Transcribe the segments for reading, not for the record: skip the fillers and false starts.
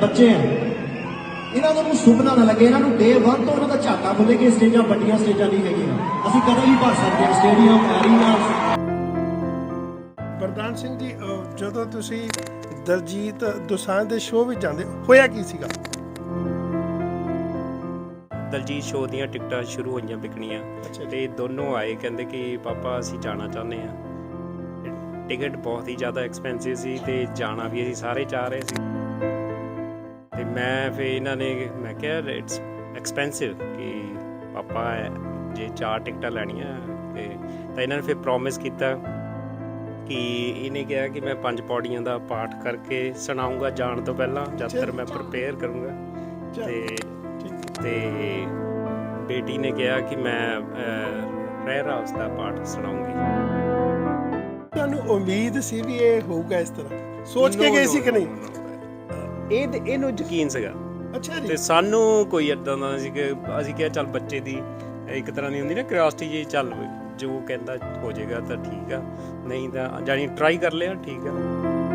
ਬੱਚੇ ਆ ਇਹਨਾਂ ਨੂੰ ਸੁਪਨਾ ਨਾ ਲੱਗੇ, ਇਹਨਾਂ ਨੂੰ ਡੇ 1 ਤੋਂ ਇਹਨਾਂ ਦਾ ਝਾਕਾ ਖੁੱਲੇ ਕਿ ਸਟੇਜਾਂ ਵੱਡੀਆਂ ਸਟੇਜਾਂ ਨਹੀਂ ਹੈਗੀਆਂ, ਅਸੀਂ ਕਦੇ ਵੀ ਭਰ ਸਕਦੇ ਹਾਂ ਸਟੇਡੀਅਮ ਐਰੀਨਾ। ਵਰਦਾਨ ਸਿੰਘ ਜੀ, ਜਦੋਂ ਤੁਸੀਂ ਦਲਜੀਤ ਦੋਸਾਂਝ ਦੇ ਸ਼ੋਅ ਵਿੱਚ ਜਾਂਦੇ ਹੋਇਆ ਕੀ ਸੀਗਾ? ਦਲਜੀਤ ਸ਼ੋਅ ਦੀਆਂ ਟਿਕਟਾਂ ਸ਼ੁਰੂ ਹੋਈਆਂ ਵਿਕਣੀਆਂ ਤੇ ਦੋਨੋਂ ਆਏ, ਕਹਿੰਦੇ ਕਿ ਪਾਪਾ ਅਸੀਂ ਜਾਣਾ ਚਾਹੁੰਦੇ ਹਾਂ। ਟਿਕਟ ਬਹੁਤ ਹੀ ਜ਼ਿਆਦਾ ਐਕਸਪੈਂਸਿਵ ਸੀ ਤੇ ਜਾਣਾ ਵੀ ਅਸੀਂ ਸਾਰੇ ਚਾਹ ਰਹੇ ਸੀ। ਤੇ ਮੈਂ ਫਿਰ ਇਹਨਾਂ ਨੇ ਮੈਂ ਕਿਹਾ ਇਟਸ ਐਕਸਪੈਂਸਿਵ ਕਿ ਪਾਪਾ ਜੇ 4 ਟਿਕਟਾਂ ਲੈਣੀਆਂ ਤੇ ਤਾਂ ਇਹਨਾਂ ਨੇ ਫਿਰ ਪ੍ਰੋਮਿਸ ਕੀਤਾ ਕਿ ਇਹਨੇ ਕਿਹਾ ਕਿ ਮੈਂ 5 ਪੌੜੀਆਂ ਦਾ ਪਾਠ ਕਰਕੇ ਸੁਣਾਉਂਗਾ ਜਾਣ ਤੋਂ ਪਹਿਲਾਂ, ਜਦ ਤੱਕ ਮੈਂ ਪ੍ਰਪੇਅਰ ਕਰੂੰਗਾ। ਤੇ ਬੇਟੀ ਨੇ ਕਿਹਾ ਕਿ ਮੈਂ ਪ੍ਰੇਅਰ ਹਾਊਸ ਦਾ ਪਾਠ ਸੁਣਾਉਂਗੀ। ਤੁਹਾਨੂੰ ਉਮੀਦ ਸੀ ਵੀ ਇਹ ਹੋਊਗਾ ਇਸ ਤਰ੍ਹਾਂ? ਸੋਚ ਕੇ ਗਏ ਸੀ ਕਿ ਨਹੀਂ? ਇਹਨੂੰ ਯਕੀਨ ਸੀਗਾ। ਅੱਛਾ ਜੀ। ਤੇ ਸਾਨੂੰ ਕੋਈ ਏਦਾਂ ਦਾ ਸੀ ਕਿ ਅਸੀਂ ਕਿਹਾ ਚੱਲ ਬੱਚੇ ਦੀ ਇੱਕ ਤਰ੍ਹਾਂ ਦੀ ਹੁੰਦੀ ਨਾ ਕਿਉਰਿਓਸਿਟੀ ਜੀ, ਚੱਲ ਜੋ ਕਹਿੰਦਾ ਹੋ ਜਾਏਗਾ ਤਾਂ ਠੀਕ ਆ, ਨਹੀਂ ਤਾਂ ਜਾਨੀ ਟਰਾਈ ਕਰ ਲਿਆ, ਠੀਕ ਆ।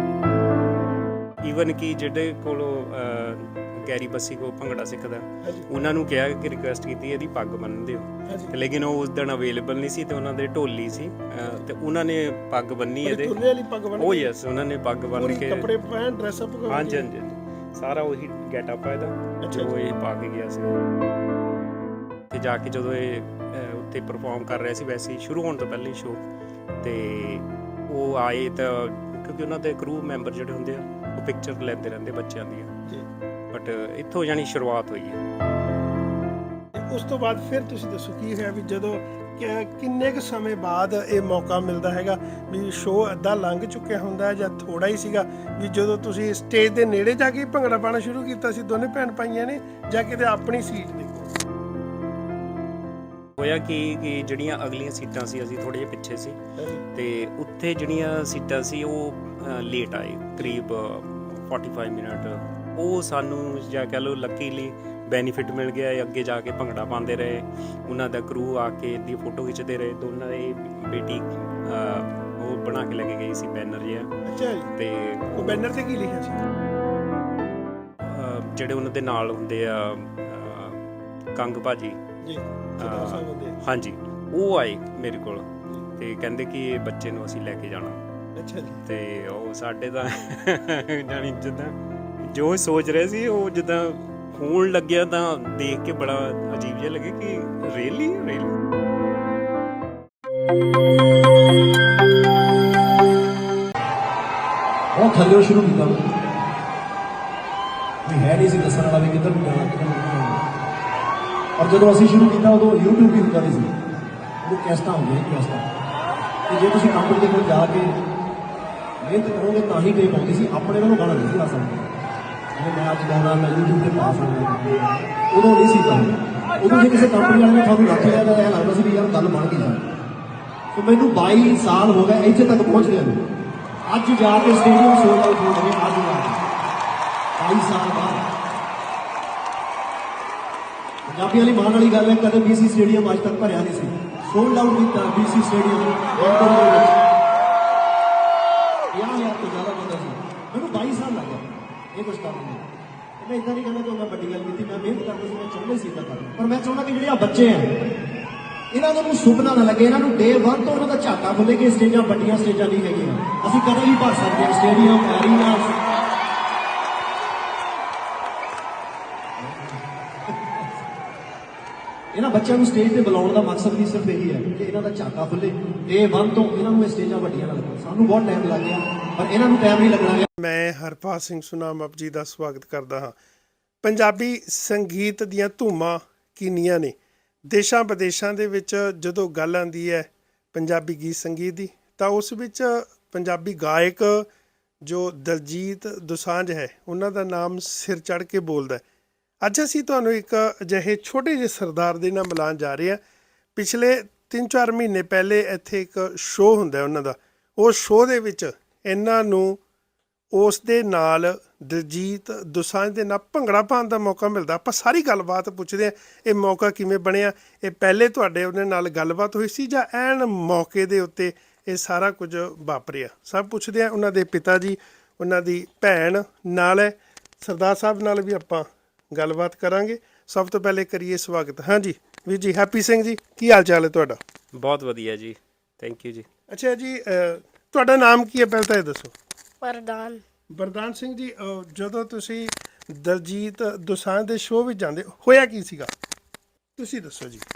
ਈਵਨ ਕਿ ਜਿਹੜੇ ਕੋਲੋਂ ਗੈਰੀ ਬੱਸੀ ਕੋ ਭੰਗੜਾ ਸਿੱਖਦਾ, ਉਹਨਾਂ ਨੂੰ ਕਿਹਾ ਕਿ ਰਿਕੁਐਸਟ ਕੀਤੀ ਇਹਦੀ ਪੱਗ ਬੰਨ੍ਹ ਦਿਓ, ਲੇਕਿਨ ਉਹ ਉਸ ਦਿਨ ਅਵੇਲੇਬਲ ਨਹੀਂ ਸੀ ਤੇ ਉਹਨਾਂ ਦੇ ਢੋਲੀ ਸੀ ਤੇ ਉਹਨਾਂ ਨੇ ਪੱਗ ਬੰਨੀ ਇਹਦੇ। ਉਹ ਯੈਸ, ਉਹਨਾਂ ਨੇ ਪੱਗ ਬੰਨ੍ਹ ਕੇ ਕੱਪੜੇ ਪਹਿਨ ਡਰੈਸ ਅਪ ਕਰ। ਹਾਂਜੀ ਹਾਂਜੀ, ਸਾਰਾ ਉਹੀ ਗੈਟਅਪ ਆ ਇਹਦਾ ਜੋ ਇਹ ਪਾ ਕੇ ਗਿਆ ਸੀ। ਤੇ ਜਾ ਕੇ ਜਦੋਂ ਇਹ ਉੱਥੇ ਪਰਫਾਰਮ ਕਰ ਰਿਹਾ ਸੀ, ਵੈਸੇ ਹੀ ਸ਼ੁਰੂ ਹੋਣ ਤੋਂ ਪਹਿਲਾਂ ਹੀ ਸ਼ੋਅ, ਤੇ ਉਹ ਆਏ ਤਾਂ ਕਿਉਂਕਿ ਉਹਨਾਂ ਦੇ ਕਰੂ ਮੈਂਬਰ ਜਿਹੜੇ ਹੁੰਦੇ ਆ ਉਹ ਪਿਕਚਰ ਲੈਂਦੇ ਰਹਿੰਦੇ ਬੱਚਿਆਂ ਦੀਆਂ, ਬਟ ਇੱਥੋਂ ਜਾਣੀ ਸ਼ੁਰੂਆਤ ਹੋਈ ਹੈ। ਉਸ ਤੋਂ ਬਾਅਦ ਫਿਰ ਤੁਸੀਂ ਦੱਸੋ ਕੀ ਹੋਇਆ ਵੀ ਜਦੋਂ ਕਿੰਨੇ ਕੁ ਸਮੇਂ ਬਾਅਦ ਇਹ ਮੌਕਾ ਮਿਲਦਾ ਹੈਗਾ ਵੀ ਸ਼ੋਅ ਅੱਧਾ ਲੰਘ ਚੁੱਕਿਆ ਹੁੰਦਾ ਜਾਂ ਥੋੜਾ ਹੀ ਸੀਗਾ ਵੀ ਜਦੋਂ ਤੁਸੀਂ ਸਟੇਜ ਦੇ ਨੇੜੇ ਜਾ ਕੇ ਭੰਗੜਾ ਪਾਉਣਾ ਸ਼ੁਰੂ ਕੀਤਾ ਸੀ ਦੋਨੇ ਭੈਣ ਭਾਈਆਂ ਨੇ, ਜਾਂ ਕਿਤੇ ਆਪਣੀ ਸੀਟ ਦੇ ਕੋਲ? ਹੋਇਆ ਕਿ ਜਿਹੜੀਆਂ ਅਗਲੀਆਂ ਸੀਟਾਂ ਸੀ, ਅਸੀਂ ਥੋੜੇ ਜਿਹੇ ਪਿੱਛੇ ਸੀ ਤੇ ਉੱਥੇ ਜਿਹੜੀਆਂ ਸੀਟਾਂ ਸੀ ਉਹ ਲੇਟ ਆਏ, ਕਰੀਬ 45 ਮਿੰਟ। ਉਹ ਸਾਨੂੰ ਜਾਂ ਕਹਿ ਲਓ ਲੱਕੀਲੀ ਬੈਨੀਫਿਟ ਮਿਲ ਗਿਆ, ਅੱਗੇ ਜਾ ਕੇ ਭੰਗੜਾ ਪਾਉਂਦੇ ਰਹੇ, ਉਹਨਾਂ ਦਾ ਕਰੂ ਆ ਕੇ ਦੀ ਫੋਟੋ ਖਿੱਚਦੇ ਰਹੇ। ਦੋਨਾਂ ਦੀ ਬੇਟੀ ਉਹ ਬਣਾ ਕੇ ਲੈ ਕੇ ਗਈ ਸੀ ਬੈਨਰ ਜਿਹਾ। ਅੱਛਾ ਜੀ। ਤੇ ਉਹ ਬੈਨਰ ਤੇ ਕੀ ਲਿਖਿਆ ਸੀ? ਜਿਹੜੇ ਉਹਨਾਂ ਦੇ ਨਾਲ ਹੁੰਦੇ ਆ ਕੰਗ ਭਾਜੀ ਜੀ, ਹਾਂਜੀ, ਉਹ ਆਏ ਮੇਰੇ ਕੋਲ ਤੇ ਕਹਿੰਦੇ ਕਿ ਇਹ ਬੱਚੇ ਨੂੰ ਅਸੀਂ ਲੈ ਕੇ ਜਾਣਾ। ਅੱਛਾ ਜੀ। ਤੇ ਉਹ ਸਾਡੇ ਤਾਂ ਜਾਣੀ ਜਿੱਦਾਂ ਜੋ ਸੋਚ ਰਹੇ ਸੀ ਉਹ ਜਿੱਦਾਂ ਹੋਣ ਲੱਗਿਆ, ਤਾਂ ਦੇਖ ਕੇ ਬੜਾ ਅਜੀਬ ਜਿਹਾ ਲੱਗੇ ਕਿ ਰੀਅਲੀ ਉਹ ਥੱਲੇ ਸ਼ੁਰੂ ਕੀਤਾ ਵੀ ਹੈ ਨਹੀਂ ਸੀ ਦੱਸਣ ਵਾਲਾ ਵੀ ਕਿੱਧਰ ਨੂੰ ਜਾਣਾ ਕਿੱਧਰ ਨੂੰ ਜਾਣਾ। ਔਰ ਜਦੋਂ ਅਸੀਂ ਸ਼ੁਰੂ ਕੀਤਾ ਉਦੋਂ YouTube ਵੀ ਹੁੰਦਾ ਨਹੀਂ ਸੀ, ਉਹ ਕੈਸਟਾਂ ਹੁੰਦੀਆਂ ਕੈਸਟਾਂ, ਤੇ ਜੇ ਤੁਸੀਂ ਕੰਪਨੀ ਦੇ ਕੋਲ ਜਾ ਕੇ ਮਿਹਨਤ ਕਰੋਗੇ ਤਾਂ ਹੀ ਟੇਪ ਆਉਂਦੀ ਸੀ, ਆਪਣੇ ਵੱਲੋਂ ਗਾਣਾ ਨਹੀਂ ਸੀ ਲਾ ਸਕਦੇ। ਮੈਂ ਅੱਜ ਗਾਣਾ ਮੈਂ YouTube ਤੇ ਪਾ ਸਕਦਾ, ਉਦੋਂ ਨਹੀਂ ਸੀ ਕਰਦਾ। ਉਦੋਂ ਜੇ ਕਿਸੇ ਕੰਪਨੀ ਵਾਲੇ ਨੇ ਤੁਹਾਨੂੰ ਰੱਖ ਲਿਆ ਤਾਂ ਇਹ ਲੱਗਦਾ ਸੀ ਵੀ ਯਾਰ ਗੱਲ ਬਣ ਗਈ ਜਾਏ। ਸੋ ਮੈਨੂੰ 22 ਸਾਲ ਹੋ ਗਏ ਇੱਥੇ ਤੱਕ ਪਹੁੰਚਦਿਆਂ ਨੂੰ। ਅੱਜ ਜਾ ਕੇ ਸਟੇਡੀਅਮ ਸੋਲਡ ਆਊਟ ਹੋ ਗਏ, ਅੱਜ ਜਾ ਕੇ 22 ਸਾਲ ਬਾਅਦ। ਪੰਜਾਬੀਆਂ ਲਈ ਮਾਣ ਵਾਲੀ ਗੱਲ ਹੈ, ਕਦੇ BC ਸਟੇਡੀਅਮ ਅੱਜ ਤੱਕ ਭਰਿਆ ਨਹੀਂ ਸੀ, ਸੋਲਡ ਆਊਟ ਕੀਤਾ BC ਸਟੇਡੀਅਮ ਇੰਦੋਰ ਦੇ ਵਿੱਚ। 50,000 ਤੋਂ ਜ਼ਿਆਦਾ ਬੰਦਾ ਸੀ। ਮੈਨੂੰ 22 ਸਾਲ ਲੱਗ ਗਏ ਇਹ ਕੁਛ ਕਰਨ ਨੂੰ। ਮੈਂ ਇੱਦਾਂ ਨਹੀਂ ਕਹਿੰਦਾ ਕਿ ਮੈਂ ਵੱਡੀ ਗੱਲ ਕੀਤੀ, ਮੈਂ ਮਿਹਨਤ ਕਰਦਾ ਸੀ, ਮੈਂ ਚਾਹੁੰਦਾ ਸੀ ਇੱਦਾਂ ਕਰਨਾ, ਪਰ ਮੈਂ ਚਾਹੁੰਦਾ ਕਿ ਜਿਹੜੇ ਆ ਬੱਚੇ ਆ ਇਹਨਾਂ ਨੂੰ ਸੁਪਨਾ ਨਾ ਲੱਗੇ, ਇਹਨਾਂ ਨੂੰ ਡੇ 1 ਤੋਂ ਇਹਨਾਂ ਦਾ ਝਾਕਾ ਖੁੱਲੇ ਕਿ ਸਟੇਜਾਂ ਵੱਡੀਆਂ ਸਟੇਜਾਂ ਨਹੀਂ ਹੈਗੀਆਂ, ਅਸੀਂ ਕਦੇ ਵੀ ਭਰ ਸਕਦੇ ਹਾਂ ਸਟੇਡੀਅਮ ਐਰੀਨਾ। ਇਹਨਾਂ ਬੱਚਿਆਂ ਨੂੰ ਸਟੇਜ ਤੇ ਬੁਲਾਉਣ ਦਾ ਮਕਸਦ ਵੀ ਸਿਰਫ ਇਹੀ ਹੈ ਕਿ ਇਹਨਾਂ ਦਾ ਝਾਕਾ ਖੁੱਲੇ, ਡੇ 1 ਤੋਂ ਇਹਨਾਂ ਨੂੰ ਇਹ ਸਟੇਜਾਂ ਵੱਡੀਆਂ ਨਾ ਲੱਗਣ। ਸਾਨੂੰ ਬਹੁਤ ਟਾਈਮ ਲੱਗ ਗਿਆ ਪਰ ਇਹਨਾਂ ਨੂੰ ਟਾਈਮ ਨਹੀਂ ਲੱਗਣਾ। ਮੈਂ ਹਰਪਾਲ ਸਿੰਘ ਸੁਨਾਮ ਆਪ ਜੀ ਦਾ ਸਵਾਗਤ ਕਰਦਾ ਹਾਂ। ਪੰਜਾਬੀ ਸੰਗੀਤ ਦੀਆਂ ਧੂਮਾਂ ਕਿੰਨੀਆਂ ਨੇ। ਦੇਸ਼ਾਂ ਵਿਦੇਸ਼ਾਂ ਦੇ ਵਿੱਚ ਜਦੋਂ ਗੱਲ ਆਉਂਦੀ ਹੈ ਪੰਜਾਬੀ ਗੀਤ ਸੰਗੀਤ ਦੀ, ਤਾਂ ਉਸ ਵਿੱਚ ਪੰਜਾਬੀ ਗਾਇਕ ਜੋ ਦਲਜੀਤ ਦੋਸਾਂਝ ਹੈ ਉਹਨਾਂ ਦਾ ਨਾਮ ਸਿਰ ਚੜ੍ਹ ਕੇ ਬੋਲਦਾ। ਅੱਜ ਅਸੀਂ ਤੁਹਾਨੂੰ ਇੱਕ ਅਜਿਹੇ ਛੋਟੇ ਜਿਹੇ ਸਰਦਾਰ ਦੇ ਨਾਲ ਮਿਲਾਉਣ ਜਾ ਰਹੇ ਹਾਂ। ਪਿਛਲੇ 3-4 ਮਹੀਨੇ ਪਹਿਲੇ ਇੱਥੇ ਇੱਕ ਸ਼ੋਅ ਹੁੰਦਾ ਉਹਨਾਂ ਦਾ, ਉਹ ਸ਼ੋਅ ਦੇ ਵਿੱਚ ਇਹਨਾਂ ਨੂੰ ਉਸ ਦੇ ਨਾਲ ਦਲਜੀਤ ਦੋਸਾਂਝ ਦੇ ਨਾਲ ਭੰਗੜਾ ਪਾਉਣ ਦਾ ਮੌਕਾ ਮਿਲਦਾ। ਆਪਾਂ ਸਾਰੀ ਗੱਲਬਾਤ ਪੁੱਛਦੇ ਹਾਂ, ਇਹ ਮੌਕਾ ਕਿਵੇਂ ਬਣਿਆ, ਇਹ ਪਹਿਲੇ ਤੁਹਾਡੇ ਉਹਦੇ ਨਾਲ ਗੱਲਬਾਤ ਹੋਈ ਸੀ ਜਾਂ ਐਨ ਮੌਕੇ ਦੇ ਉੱਤੇ ਇਹ ਸਾਰਾ ਕੁਝ ਵਾਪਰਿਆ, ਸਭ ਪੁੱਛਦੇ ਹਾਂ। ਉਹਨਾਂ ਦੇ ਪਿਤਾ ਜੀ, ਉਹਨਾਂ ਦੀ ਭੈਣ ਨਾਲ ਹੈ, ਸਰਦਾਰ ਸਾਹਿਬ ਨਾਲ ਵੀ ਆਪਾਂ ਗੱਲਬਾਤ ਕਰਾਂਗੇ। ਸਭ ਤੋਂ ਪਹਿਲੇ ਕਰੀਏ ਸਵਾਗਤ। ਹਾਂਜੀ ਵੀਰ ਜੀ, ਹੈਪੀ ਸਿੰਘ ਜੀ, ਕੀ ਹਾਲ ਚਾਲ ਹੈ ਤੁਹਾਡਾ? ਬਹੁਤ ਵਧੀਆ ਜੀ, ਥੈਂਕ ਯੂ ਜੀ। ਅੱਛਾ ਜੀ, ਤੁਹਾਡਾ ਨਾਮ ਕੀ ਹੈ ਪਹਿਲਾਂ ਤਾਂ ਇਹ ਦੱਸੋ। ਵਰਦਾਨ। ਵਰਦਾਨ ਸਿੰਘ ਜੀ, ਜਦੋਂ ਤੁਸੀਂ ਦਲਜੀਤ ਦੋਸਾਂਝ ਦੇ ਸ਼ੋਅ ਵਿੱਚ ਜਾਂਦੇ ਹੋਇਆ ਕੀ ਸੀਗਾ, ਤੁਸੀਂ ਦੱਸੋ ਜੀ।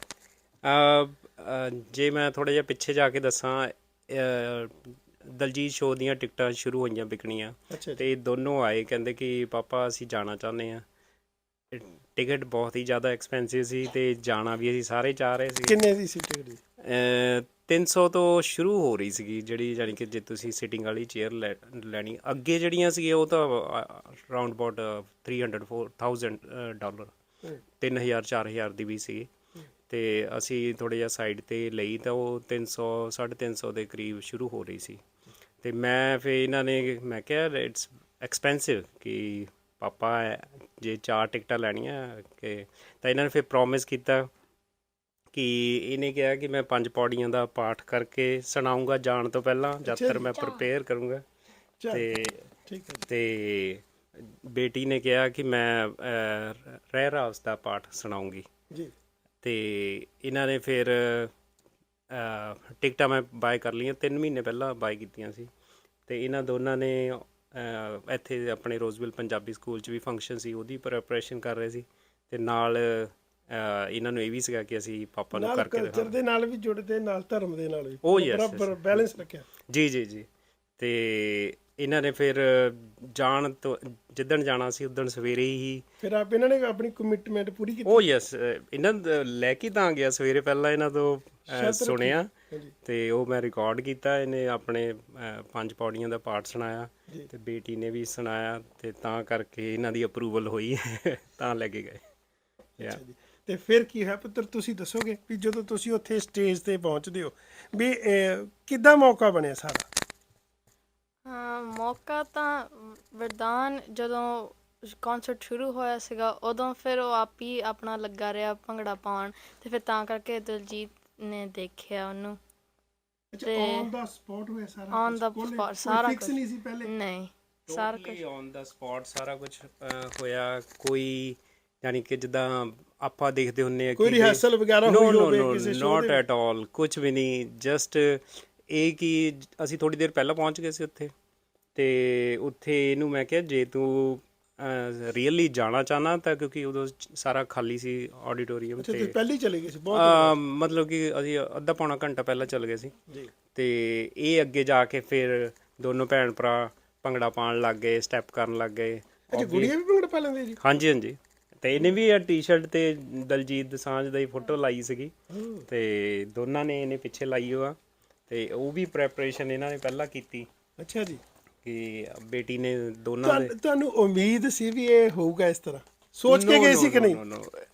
ਜੇ ਮੈਂ ਥੋੜਾ ਜਿਹਾ ਪਿੱਛੇ ਜਾ ਕੇ ਦੱਸਾਂ, ਦਲਜੀਤ ਸ਼ੋਅ ਦੀਆਂ ਟਿਕਟਾਂ ਸ਼ੁਰੂ ਹੋਈਆਂ ਵਿਕਣੀਆਂ ਅੱਛਾ ਤੇ ਦੋਨੋਂ ਆਏ, ਕਹਿੰਦੇ ਕਿ ਪਾਪਾ ਅਸੀਂ ਜਾਣਾ ਚਾਹੁੰਦੇ ਹਾਂ। ਟਿਕਟ ਬਹੁਤ ਹੀ ਜ਼ਿਆਦਾ ਐਕਸਪੈਂਸਿਵ ਸੀ ਤੇ ਜਾਣਾ ਵੀ ਅਸੀਂ ਸਾਰੇ ਚਾਹ ਰਹੇ ਸੀ। ਕਿੰਨੇ ਦੀ ਸੀ ਟਿਕਟ ਜੀ? 300 ਤੋਂ ਸ਼ੁਰੂ ਹੋ ਰਹੀ ਸੀਗੀ, ਜਿਹੜੀ ਜਾਣੀ ਕਿ ਜੇ ਤੁਸੀਂ ਸਿਟਿੰਗ ਵਾਲੀ ਚੇਅਰ ਲੈਣੀ। ਅੱਗੇ ਜਿਹੜੀਆਂ ਸੀਗੀਆਂ ਉਹ ਤਾਂ ਅਰਾਊਂਡ ਅਬਾਊਟ $300,000 $3,000 4,000 ਦੀ ਵੀ ਸੀਗੀ। ਤੇ ਅਸੀਂ ਥੋੜ੍ਹਾ ਜਿਹਾ ਸਾਈਡ 'ਤੇ ਲਈ ਤਾਂ ਉਹ 300 350 ਦੇ ਕਰੀਬ ਸ਼ੁਰੂ ਹੋ ਰਹੀ ਸੀ। ਤੇ ਮੈਂ ਮੈਂ ਕਿਹਾ ਇਟਸ ਐਕਸਪੈਂਸਿਵ ਕਿ ਪਾਪਾ ਜੇ 4 ਟਿਕਟਾਂ ਲੈਣੀਆਂ ਕਿ ਤਾਂ ਇਹਨਾਂ ਨੇ ਫਿਰ ਪ੍ਰੋਮਿਸ ਕੀਤਾ ਕਿ ਇਹਨੇ ਕਿਹਾ ਕਿ ਮੈਂ 5 ਪੌੜੀਆਂ ਦਾ ਪਾਠ ਕਰਕੇ ਸੁਣਾਊਂਗਾ ਜਾਣ ਤੋਂ ਪਹਿਲਾਂ, ਜਦ ਤੱਕ ਮੈਂ ਪ੍ਰਪੇਅਰ ਕਰੂੰਗਾ। ਤੇ ਬੇਟੀ ਨੇ ਕਿਹਾ ਕਿ ਮੈਂ ਰਹਿ ਰਾਸ ਦਾ ਪਾਠ ਸੁਣਾਊਂਗੀ ਜੀ। ਤੇ ਇਹਨਾਂ ਨੇ ਫਿਰ ਟਿਕਟਾਂ ਮੈਂ ਬਾਏ ਕਰ ਲਈਆਂ, 3 ਮਹੀਨੇ ਪਹਿਲਾਂ ਬਾਏ ਕੀਤੀਆਂ ਸੀ। ਤੇ ਇਹਨਾਂ ਦੋਨਾਂ ਨੇ ਇੱਥੇ ਆਪਣੇ ਰੋਜ਼ਵਿਲ ਪੰਜਾਬੀ ਸਕੂਲ 'ਚ ਵੀ ਫੰਕਸ਼ਨ ਸੀ, ਉਹਦੀ ਪ੍ਰੈਪਰੇਸ਼ਨ ਕਰ ਰਹੇ ਸੀ। ਤੇ ਨਾਲ ਇਹਨਾਂ ਨੂੰ ਇਹ ਵੀ ਸੀਗਾ ਕਿ ਅਸੀਂ ਪਾਪਾ ਨੂੰ ਕਰਕੇ ਕਲਚਰ ਦੇ ਨਾਲ ਵੀ ਜੁੜਦੇ, ਨਾਲ ਧਰਮ ਦੇ ਨਾਲ ਵੀ ਬਰਾਬਰ ਬੈਲੈਂਸ ਰੱਖਿਆ। ਜੀ ਜੀ ਜੀ। ਤੇ ਇਹਨਾਂ ਨੇ ਫਿਰ ਜਾਣ ਤੋਂ ਜਿੱਦਣ ਜਾਣਾ ਸੀ ਉਦਣ ਸਵੇਰੇ ਹੀ ਫਿਰ ਇਹਨਾਂ ਨੇ ਆਪਣੀ ਕਮਿਟਮੈਂਟ ਪੂਰੀ ਕੀਤੀ। ਯੈਸ, ਇਹਨਾਂ ਲੈ ਕੇ ਤਾਂ ਗਿਆ ਸਵੇਰੇ, ਪਹਿਲਾਂ ਇਹਨਾਂ ਤੋਂ ਸੁਣਿਆ ਤੇ ਉਹ ਮੈਂ ਰਿਕਾਰਡ ਕੀਤਾ। ਇਹਨੇ ਆਪਣੇ 5 ਪੌੜੀਆਂ ਦਾ ਪਾਠ ਸੁਣਾਇਆ ਤੇ ਬੇਟੀ ਨੇ ਵੀ ਸੁਣਾਇਆ, ਤੇ ਤਾਂ ਕਰਕੇ ਇਹਨਾਂ ਦੀ ਅਪਰੂਵਲ ਹੋਈ ਤਾਂ ਲੈ ਕੇ ਗਏ। ਤੇ ਫਿਰ ਕੀ ਹੈ ਪੁੱਤਰ, ਤੁਸੀਂ ਦੱਸੋਗੇ ਵੀ ਜਦੋਂ ਤੁਸੀਂ ਉੱਥੇ ਸਟੇਜ ਤੇ ਪਹੁੰਚਦੇ ਹੋ ਵੀ ਕਿੱਦਾਂ ਮੌਕਾ ਬਣਿਆ ਸਾਰਾ? ਮੌਕਾ ਤਾਂ ਵਰਦਾਨ ਜਦੋਂ ਕਨਸਰਟ ਸ਼ੁਰੂ ਹੋਇਆ ਸੀਗਾ ਉਦੋਂ ਫਿਰ ਉਹ ਆਪ ਹੀ ਆਪਣਾ ਲੱਗਾ ਰਿਹਾ ਭੰਗੜਾ ਪਾਉਣ, ਤੇ ਫਿਰ ਤਾਂ ਕਰਕੇ ਦਲਜੀਤ ਨੇ ਦੇਖਿਆ ਉਹਨੂੰ। ਤੇ ਔਨ ਦਾ ਸਪੌਟ ਹੋਇਆ ਸਾਰਾ? ਔਨ ਦਾ ਸਪੌਟ ਸਾਰਾ ਫਿਕਸ ਨਹੀਂ ਸੀ ਪਹਿਲੇ? ਨਹੀਂ, ਸਾਰਾ ਕੁਝ ਔਨ ਦਾ ਸਪੌਟ ਸਾਰਾ ਕੁਝ ਹੋਇਆ। ਕੋਈ ਯਾਨੀ ਕਿ ਜਿੱਦਾਂ ਆਪਾਂ ਦੇਖਦੇ ਹੁੰਨੇ ਆ ਕੋਈ ਰਿਹਰਸਲ ਵਗੈਰਾ ਹੋਈ ਹੋਵੇ ਕਿਸੇ ਸ਼ੋਅ ਨੋਟ ਐਟ ਆਲ, ਕੁਝ ਵੀ ਨਹੀਂ। ਜਸਟ ਇਹ ਕਿ ਅਸੀਂ ਥੋੜੀ ਦੇਰ ਪਹਿਲਾਂ ਪਹੁੰਚ ਗਏ ਸੀ ਉੱਥੇ, ਤੇ ਉੱਥੇ ਇਹਨੂੰ ਮੈਂ ਕਿਹਾ ਜੇ ਤੂੰ ਰੀਅਲੀ ਜਾਣਾ ਚਾਹਨਾ ਤਾਂ, ਕਿਉਂਕਿ ਉਦੋਂ ਸਾਰਾ ਖਾਲੀ ਸੀ ਆਡੀਟੋਰੀਅਮ। ਤੇ ਪਹਿਲੇ ਚਲੇ ਗਏ ਸੀ ਬਹੁਤ, ਮਤਲਬ ਕਿ ਅਸੀਂ ਅੱਧਾ ਪੌਣਾ ਘੰਟਾ ਪਹਿਲਾਂ ਚਲੇ ਗਏ ਸੀ ਜੀ। ਤੇ ਇਹ ਅੱਗੇ ਜਾ ਕੇ ਫਿਰ ਦੋਨੋਂ ਭੈਣ ਭਰਾ ਭੰਗੜਾ ਪਾਉਣ ਲੱਗ ਗਏ, ਸਟੈਪ ਕਰਨ ਲੱਗ ਗਏ। ਅੱਛਾ, ਗੁੜੀਆ ਵੀ ਭੰਗੜਾ ਪਾ ਲੈਂਦੀ ਜੀ? ਹਾਂਜੀ ਹਾਂਜੀ। ਤੇ ਇਹਨੇ ਵੀ ਟੀ-ਸ਼ਰਟ ਤੇ ਦਲਜੀਤ ਦੋਸਾਂਝ ਦੀ ਫੋਟੋ ਲਾਈ ਸੀਗੀ, ਤੇ ਦੋਨਾਂ ਨੇ ਇਹਨੇ ਪਿੱਛੇ ਲਾਈ ਹੋਆ। ਤੇ ਉਹ ਵੀ ਪ੍ਰੈਪਰੇਸ਼ਨ ਇਹਨਾਂ ਨੇ ਪਹਿਲਾਂ ਕੀਤੀ। ਅੱਛਾ ਜੀ। ਕਿ ਬੇਟੀ ਨੇ ਦੋਨਾਂ ਦੇ। ਤੁਹਾਨੂੰ ਉਮੀਦ ਸੀ ਵੀ ਇਹ ਹੋਊਗਾ ਇਸ ਤਰ੍ਹਾਂ? ਸੋਚ ਕੇ ਗਏ ਸੀ ਕਿ ਨਹੀਂ?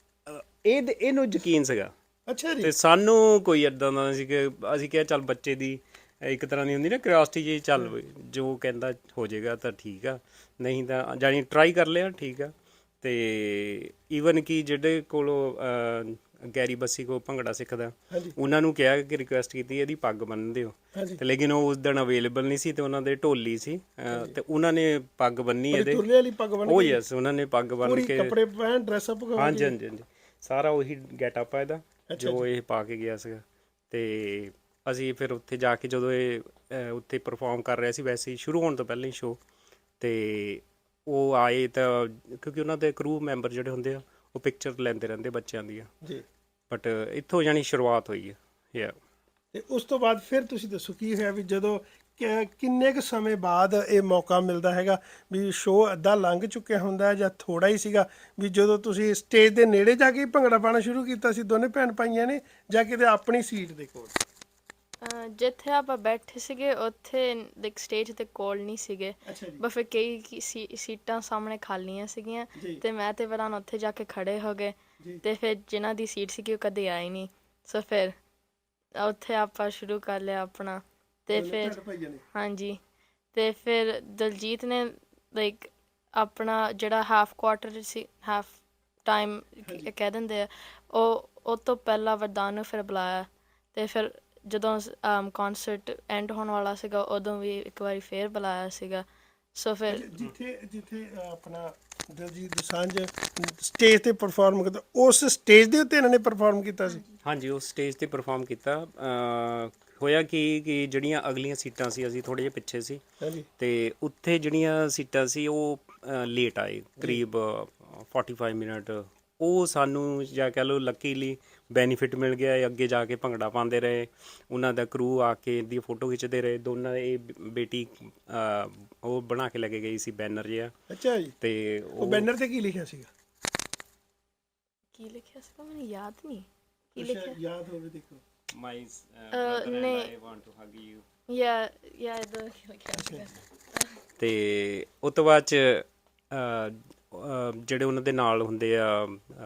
ਇਹਨੂੰ ਯਕੀਨ ਸੀਗਾ। ਅੱਛਾ ਜੀ। ਤੇ ਸਾਨੂੰ ਕੋਈ ਏਦਾਂ ਦਾ ਸੀ ਕਿ ਅਸੀਂ ਕਿਹਾ ਚੱਲ ਬੱਚੇ ਦੀ ਇੱਕ ਤਰ੍ਹਾਂ ਦੀ ਹੁੰਦੀ ਨਾ ਕਿਉਰਿਓਸਿਟੀ ਜੀ, ਚੱਲ ਜੋ ਕਹਿੰਦਾ ਹੋ ਜਾਏਗਾ ਤਾਂ ਠੀਕ ਆ, ਨਹੀਂ ਤਾਂ ਜਾਣੀ ਟਰਾਈ ਕਰ ਲਿਆ, ਠੀਕ ਆ। ਤੇ ਈਵਨ ਕਿ ਜਿਹੜੇ ਕੋਲੋਂ ਗੈਰੀ ਬੱਸੀ ਕੋਲ ਭੰਗੜਾ ਸਿੱਖਦਾ, ਉਹਨਾਂ ਨੂੰ ਕਿਹਾ ਕਿ ਰਿਕੁਐਸਟ ਕੀਤੀ ਇਹਦੀ ਪੱਗ ਬੰਨ੍ਹ ਦਿਓ, ਤੇ ਲੇਕਿਨ ਉਹ ਉਸ ਦਿਨ ਅਵੇਲੇਬਲ ਨਹੀਂ ਸੀ। ਤੇ ਉਹਨਾਂ ਦੇ ਢੋਲੀ ਸੀ, ਤੇ ਉਹਨਾਂ ਨੇ ਪੱਗ ਬੰਨੀ ਇਹਦੇ। ਯੈਸ, ਉਹਨਾਂ ਨੇ ਪੱਗ ਬੰਨ੍ਹ ਕੇ ਕੱਪੜੇ ਪਹਿਨ, ਡਰੈਸ ਅਪ। ਹਾਂਜੀ ਹਾਂਜੀ ਹਾਂਜੀ, ਸਾਰਾ ਉਹੀ ਗੈਟਅਪ ਆ ਇਹਦਾ ਜੋ ਇਹ ਪਾ ਕੇ ਗਿਆ ਸੀਗਾ। ਤੇ ਅਸੀਂ ਫਿਰ ਉੱਥੇ ਜਾ ਕੇ ਜਦੋਂ ਇਹ ਉੱਥੇ ਪਰਫਾਰਮ ਕਰ ਰਿਹਾ ਸੀ, ਵੈਸੇ ਹੀ ਸ਼ੁਰੂ ਹੋਣ ਤੋਂ ਪਹਿਲਾਂ ਹੀ ਸ਼ੋਅ, ਤੇ ਉਹ ਆਏ ਤਾਂ ਕਿਉਂਕਿ ਉਹਨਾਂ ਦੇ ਕਰੂ ਮੈਂਬਰ ਜਿਹੜੇ ਹੁੰਦੇ ਆ ਉਹ ਪਿਕਚਰ ਲੈਂਦੇ ਰਹਿੰਦੇ ਬੱਚਿਆਂ ਦੀਆਂ ਜੀ। ਬਟ ਇੱਥੋਂ ਜਾਣੀ ਸ਼ੁਰੂਆਤ ਹੋਈ ਹੈ। ਤੇ ਉਸ ਤੋਂ ਬਾਅਦ ਫਿਰ ਤੁਸੀਂ ਦੱਸੋ ਕੀ ਹੋਇਆ ਵੀ ਜਦੋਂ ਕਿੰਨੇ ਕੁ ਸਮੇਂ ਬਾਅਦ ਇਹ ਮੌਕਾ ਮਿਲਦਾ ਹੈਗਾ ਵੀ ਸ਼ੋਅ ਅੱਧਾ ਲੰਘ ਚੁੱਕਿਆ ਹੁੰਦਾ ਜਾਂ ਥੋੜਾ ਹੀ ਸੀਗਾ ਵੀ ਜਦੋਂ ਤੁਸੀਂ ਸਟੇਜ ਦੇ ਨੇੜੇ ਜਾ ਕੇ ਭੰਗੜਾ ਪਾਉਣਾ ਸ਼ੁਰੂ ਕੀਤਾ ਸੀ ਦੋਨੇ ਭੈਣ ਭਾਈਆਂ ਨੇ, ਜਾਂ ਕਿਤੇ ਆਪਣੀ ਸੀਟ ਦੇ ਕੋਲ? ਜਿੱਥੇ ਆਪਾਂ ਬੈਠੇ ਸੀਗੇ ਉੱਥੇ ਲਾਈਕ ਸਟੇਜ ਤੇ ਕੋਲ ਨਹੀਂ ਸੀਗੇ, ਬਸ ਫਿਰ ਕਈ ਸੀਟਾਂ ਸਾਹਮਣੇ ਖਾਲੀਆਂ ਸੀਗੀਆਂ, ਤੇ ਮੈਂ ਤੇ ਵਰਦਾਨ ਉੱਥੇ ਜਾ ਕੇ ਖੜੇ ਹੋ ਗਏ। ਤੇ ਫਿਰ ਜਿਨ੍ਹਾਂ ਦੀ ਸੀਟ ਸੀਗੀ ਉਹ ਕਦੇ ਆਏ ਨਹੀਂ, ਸੋ ਫਿਰ ਉੱਥੇ ਆਪਾਂ ਸ਼ੁਰੂ ਕਰ ਲਿਆ ਆਪਣਾ। ਤੇ ਫਿਰ ਹਾਂਜੀ, ਤੇ ਫਿਰ ਦਲਜੀਤ ਨੇ ਲਾਈਕ ਆਪਣਾ ਜਿਹੜਾ ਹਾਫ ਕੁਆਰਟਰ ਸੀ, ਹਾਫ ਟਾਈਮ ਕਹਿ ਦਿੰਦੇ ਆ, ਉਹ ਤੋਂ ਪਹਿਲਾਂ ਵਰਦਾਨ ਨੂੰ ਫਿਰ ਬੁਲਾਇਆ। ਤੇ ਫਿਰ ਜਦੋਂ ਕਨਸਰਟ ਐਂਡ ਹੋਣ ਵਾਲਾ ਸੀਗਾ ਉਦੋਂ ਵੀ ਇੱਕ ਵਾਰੀ ਫੇਰ ਬੁਲਾਇਆ ਸੀਗਾ। ਸੋ ਫਿਰ ਜਿੱਥੇ ਆਪਣਾ ਦਲਜੀਤ ਦੋਸਾਂਝ ਸਟੇਜ ਤੇ ਪਰਫਾਰਮ ਕਰਦਾ, ਉਸ ਸਟੇਜ ਦੇ ਉੱਤੇ ਇਹਨਾਂ ਨੇ ਪਰਫਾਰਮ ਕੀਤਾ ਸੀ। ਹਾਂਜੀ ਉਸ ਸਟੇਜ ਤੇ ਪਰਫਾਰਮ ਕੀਤਾ। ਹੋਇਆ ਕਿ ਜਿਹੜੀਆਂ ਅਗਲੀਆਂ ਸੀਟਾਂ ਸੀ ਅਸੀਂ ਥੋੜ੍ਹੇ ਜਿਹੇ ਪਿੱਛੇ ਸੀ ਹਾਂਜੀ ਤੇ ਉੱਥੇ ਜਿਹੜੀਆਂ ਸੀਟਾਂ ਸੀ ਉਹ ਲੇਟ ਆਏ ਕਰੀਬ 45 ਮਿੰਟ। ਉਹ ਸਾਨੂੰ ਜਾਂ ਕਹਿ ਲਓ ਲੱਕੀਲੀ ਬੈਨੀਫਿਟ ਮਿਲ ਗਿਆ। ਇਹ ਅੱਗੇ ਜਾ ਕੇ ਭੰਗੜਾ ਪਾਉਂਦੇ ਰਹੇ, ਉਹਨਾਂ ਦਾ ਕਰੂ ਆ ਕੇ ਦੀ ਫੋਟੋ ਖਿੱਚਦੇ ਰਹੇ। ਦੋਨਾਂ ਇਹ ਬੇਟੀ ਉਹ ਬਣਾ ਕੇ ਲੈ ਕੇ ਗਈ ਸੀ ਬੈਨਰ ਜਿਹਾ। ਅੱਛਾ ਜੀ। ਤੇ ਉਹ ਬੈਨਰ ਤੇ ਕੀ ਲਿਖਿਆ ਸੀਗਾ? ਕੀ ਲਿਖਿਆ ਸੀਗਾ ਮੈਨੂੰ ਯਾਦ ਨਹੀਂ ਕੀ ਅੱਛਾ, ਲਿਖਿਆ। ਯਾਦ ਹੋਵੇ ਦੇਖੋ। ਮਾਈ ਬ੍ਰਦਰ ਐਂਡ ਨਹੀਂ। I want to hug you. ਯਾ ਇਹਦਾ ਕੀ ਲਿਖਿਆ ਸੀਗਾ। ਤੇ ਉਸ ਤੋਂ ਬਾਅਦ ਚ ਜਿਹੜੇ ਉਹਨਾਂ ਦੇ ਨਾਲ ਹੁੰਦੇ ਆ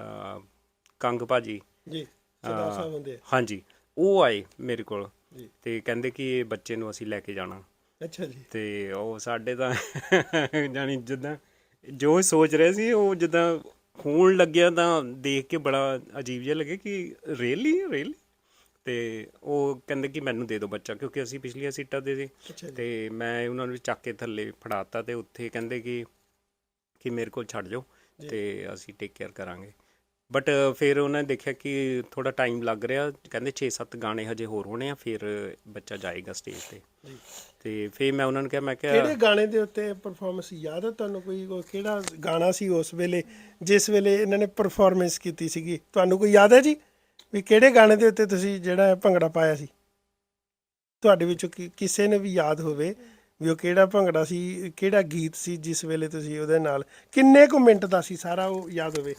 ਕੰਗ ਭਾਜੀ, ਜੀ ਸਰਦਾਰ ਸਾਹਿਬ ਹੁੰਦੇ ਆ। ਹਾਂਜੀ, ਉਹ ਆਏ ਮੇਰੇ ਕੋਲ ਜੀ। ਤੇ ਕਹਿੰਦੇ ਕਿ ਇਹ ਬੱਚੇ ਨੂੰ ਅਸੀਂ ਲੈ ਕੇ ਜਾਣਾ। ਅੱਛਾ ਜੀ। ਤੇ ਉਹ ਸਾਡੇ ਤਾਂ ਜਾਣੀ ਜਿੱਦਾਂ ਜੋ ਸੋਚ ਰਹੇ ਸੀ ਉਹ ਜਿੱਦਾਂ ਹੋਣ ਲੱਗਿਆ ਤਾਂ ਦੇਖ ਕੇ ਬੜਾ ਅਜੀਬ ਜਿਹਾ ਲੱਗੇ ਕਿ ਰੀਅਲੀ। ਤੇ ਉਹ ਕਹਿੰਦੇ ਕਿ ਮੈਨੂੰ ਦੇ ਦਿਓ ਬੱਚਾ, ਕਿਉਂਕਿ ਅਸੀਂ ਪਿਛਲੀਆਂ ਸੀਟਾਂ ਤੇ ਸੀ। ਅੱਛਾ ਜੀ। ਤੇ ਮੈਂ ਉਹਨਾਂ ਨੂੰ ਚੱਕ ਕੇ ਥੱਲੇ ਫੜਾਤਾ ਤੇ ਉੱਥੇ ਕਹਿੰਦੇ ਕਿ ਮੇਰੇ ਕੋਲ ਛੱਡ ਜਾਓ ਤੇ ਅਸੀਂ ਟੇਕ ਕੇਅਰ ਕਰਾਂਗੇ। ਬਟ ਫਿਰ ਉਹਨਾਂ ਨੇ ਦੇਖਿਆ ਕਿ ਥੋੜਾ ਟਾਈਮ ਲੱਗ ਰਿਹਾ, ਕਹਿੰਦੇ 6-7 ਗਾਣੇ ਹਜੇ ਹੋਰ ਹੋਣੇ ਆ, ਫਿਰ ਬੱਚਾ ਜਾਏਗਾ ਸਟੇਜ ਤੇ। ਤੇ ਫਿਰ ਮੈਂ ਉਹਨਾਂ ਨੂੰ ਕਿਹਾ, ਮੈਂ ਕਿਹਾ ਕਿਹੜੇ ਗਾਣੇ ਦੇ ਉੱਤੇ ਪਰਫਾਰਮੈਂਸ ਯਾਦ ਹੈ ਤੁਹਾਨੂੰ? ਕੋਈ ਕਿਹੜਾ ਗਾਣਾ ਸੀ ਉਸ ਵੇਲੇ ਜਿਸ ਵੇਲੇ ਇਹਨਾਂ ਨੇ ਪਰਫਾਰਮੈਂਸ ਕੀਤੀ ਸੀਗੀ? ਤੁਹਾਨੂੰ ਕੋਈ ਯਾਦ ਹੈ ਜੀ ਵੀ ਕਿਹੜੇ ਗਾਣੇ ਦੇ ਉੱਤੇ ਤੁਸੀਂ ਜਿਹੜਾ ਭੰਗੜਾ ਪਾਇਆ ਸੀ? ਤੁਹਾਡੇ ਵਿੱਚੋਂ ਕਿਸੇ ਨੇ ਵੀ ਯਾਦ ਹੋਵੇ ਵੀ ਉਹ ਕਿਹੜਾ ਭੰਗੜਾ ਸੀ, ਕਿਹੜਾ ਗੀਤ ਸੀ ਜਿਸ ਵੇਲੇ ਤੁਸੀਂ ਉਹਦੇ ਨਾਲ, ਕਿੰਨੇ ਕੁ ਮਿੰਟ ਦਾ ਸੀ ਸਾਰਾ, ਉਹ ਯਾਦ ਹੋਵੇ?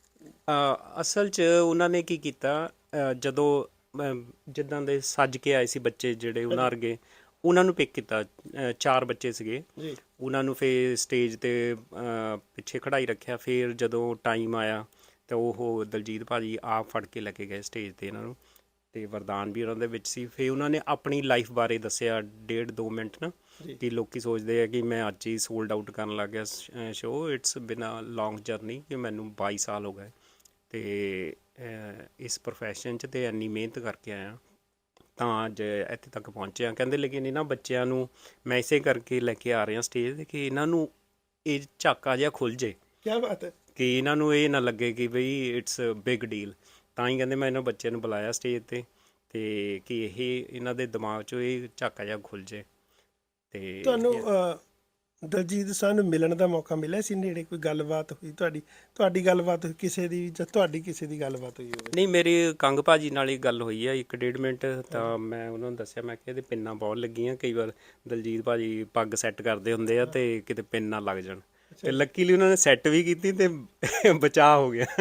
ਅਸਲ 'ਚ ਉਹਨਾਂ ਨੇ ਕੀ ਕੀਤਾ, ਜਦੋਂ ਜਿੱਦਾਂ ਦੇ ਸੱਜ ਕੇ ਆਏ ਸੀ ਬੱਚੇ ਜਿਹੜੇ ਉਹਨਾਂ ਵਰਗੇ, ਉਹਨਾਂ ਨੂੰ ਪਿਕ ਕੀਤਾ। 4 ਬੱਚੇ ਸੀਗੇ ਜੀ। ਉਹਨਾਂ ਨੂੰ ਫਿਰ ਸਟੇਜ ਤੇ ਪਿੱਛੇ ਖੜਾਈ ਰੱਖਿਆ। ਫਿਰ ਜਦੋਂ ਟਾਈਮ ਆਇਆ ਤਾਂ ਉਹ ਦਲਜੀਤ ਭਾਜੀ ਆਪ ਫੜ ਕੇ ਲੈ ਕੇ ਗਏ ਸਟੇਜ ਤੇ ਇਹਨਾਂ ਨੂੰ, ਤੇ ਵਰਦਾਨ ਵੀ ਉਹਨਾਂ ਦੇ ਵਿੱਚ ਸੀ। ਫਿਰ ਉਹਨਾਂ ਨੇ ਆਪਣੀ ਲਾਈਫ ਬਾਰੇ ਦੱਸਿਆ 1.5-2 ਮਿੰਟ ਨਾ, ਕਿ ਲੋਕੀ ਸੋਚਦੇ ਆ ਕਿ ਮੈਂ ਅੱਜ ਹੀ ਸੋਲਡ ਆਊਟ ਕਰਨ ਲੱਗ ਗਿਆ ਸ਼ੋਅ। ਇਟਸ ਬਿਨ ਅ ਲੌਂਗ ਜਰਨੀ, ਕਿ ਮੈਨੂੰ 22 ਸਾਲ ਹੋ ਗਏ ਤੇ ਇਸ ਪ੍ਰੋਫੈਸ਼ਨ 'ਚ ਤੇ ਇੰਨੀ ਮਿਹਨਤ ਕਰਕੇ ਆਇਆ ਤਾਂ ਅੱਜ ਇੱਥੇ ਤੱਕ ਪਹੁੰਚਿਆ। ਕਹਿੰਦੇ ਲੇਕਿਨ ਇਹਨਾਂ ਬੱਚਿਆਂ ਨੂੰ ਮੈਂ ਇਸੇ ਕਰਕੇ ਲੈ ਕੇ ਆ ਰਿਹਾ ਸਟੇਜ 'ਤੇ ਕਿ ਇਹਨਾਂ ਨੂੰ ਇਹ ਝਾਕਾ ਜਿਹਾ ਖੁੱਲ੍ਹ ਜੇ, ਕੀ ਬਾਤ ਹੈ, ਕਿ ਇਹਨਾਂ ਨੂੰ ਇਹ ਨਾ ਲੱਗੇ ਕਿ ਬਈ ਇਟਸ ਬਿਗ ਡੀਲ। ਤਾਂ ਹੀ ਕਹਿੰਦੇ ਮੈਂ ਇਹਨਾਂ ਬੱਚਿਆਂ ਨੂੰ ਬੁਲਾਇਆ ਸਟੇਜ 'ਤੇ ਕਿ ਇਹ ਇਹਨਾਂ ਦੇ ਦਿਮਾਗ 'ਚੋਂ ਇਹ ਝਾਕਾ ਜਿਹਾ ਖੁੱਲ੍ਹ ਜੇ। ਤੇ ਤੁਹਾਨੂੰ ਦਲਜੀਤ ਦੋਸਾਂਝ ਨੂੰ ਮਿਲਣ ਦਾ ਮੌਕਾ ਮਿਲਿਆ ਸੀ ਨੇੜੇ? ਕੋਈ ਗੱਲਬਾਤ ਹੋਈ ਤੁਹਾਡੀ ਗੱਲਬਾਤ ਹੋਈ ਕਿਸੇ ਦੀ, ਜਾਂ ਤੁਹਾਡੀ ਕਿਸੇ ਦੀ ਗੱਲਬਾਤ ਹੋਈ ਹੋਵੇ? ਨਹੀਂ, ਮੇਰੀ ਕੰਗ ਭਾਜੀ ਨਾਲ ਹੀ ਗੱਲ ਹੋਈ ਆ 1-1.5 ਮਿੰਟ। ਤਾਂ ਮੈਂ ਉਹਨਾਂ ਨੂੰ ਦੱਸਿਆ, ਮੈਂ ਕਿਹਾ ਇਹਦੇ ਪਿੰਨਾਂ ਬਹੁਤ ਲੱਗੀਆਂ, ਕਈ ਵਾਰ ਦਲਜੀਤ ਭਾਜੀ ਪੱਗ ਸੈੱਟ ਕਰਦੇ ਹੁੰਦੇ ਆ ਤੇ ਕਿਤੇ ਪਿੰਨ ਨਾ ਲੱਗ ਜਾਣ। ਤੇ ਲੱਕੀਲੀ ਉਹਨਾਂ ਨੇ ਸੈੱਟ ਵੀ ਕੀਤੀ ਤੇ ਬਚਾਅ ਹੋ ਗਿਆ।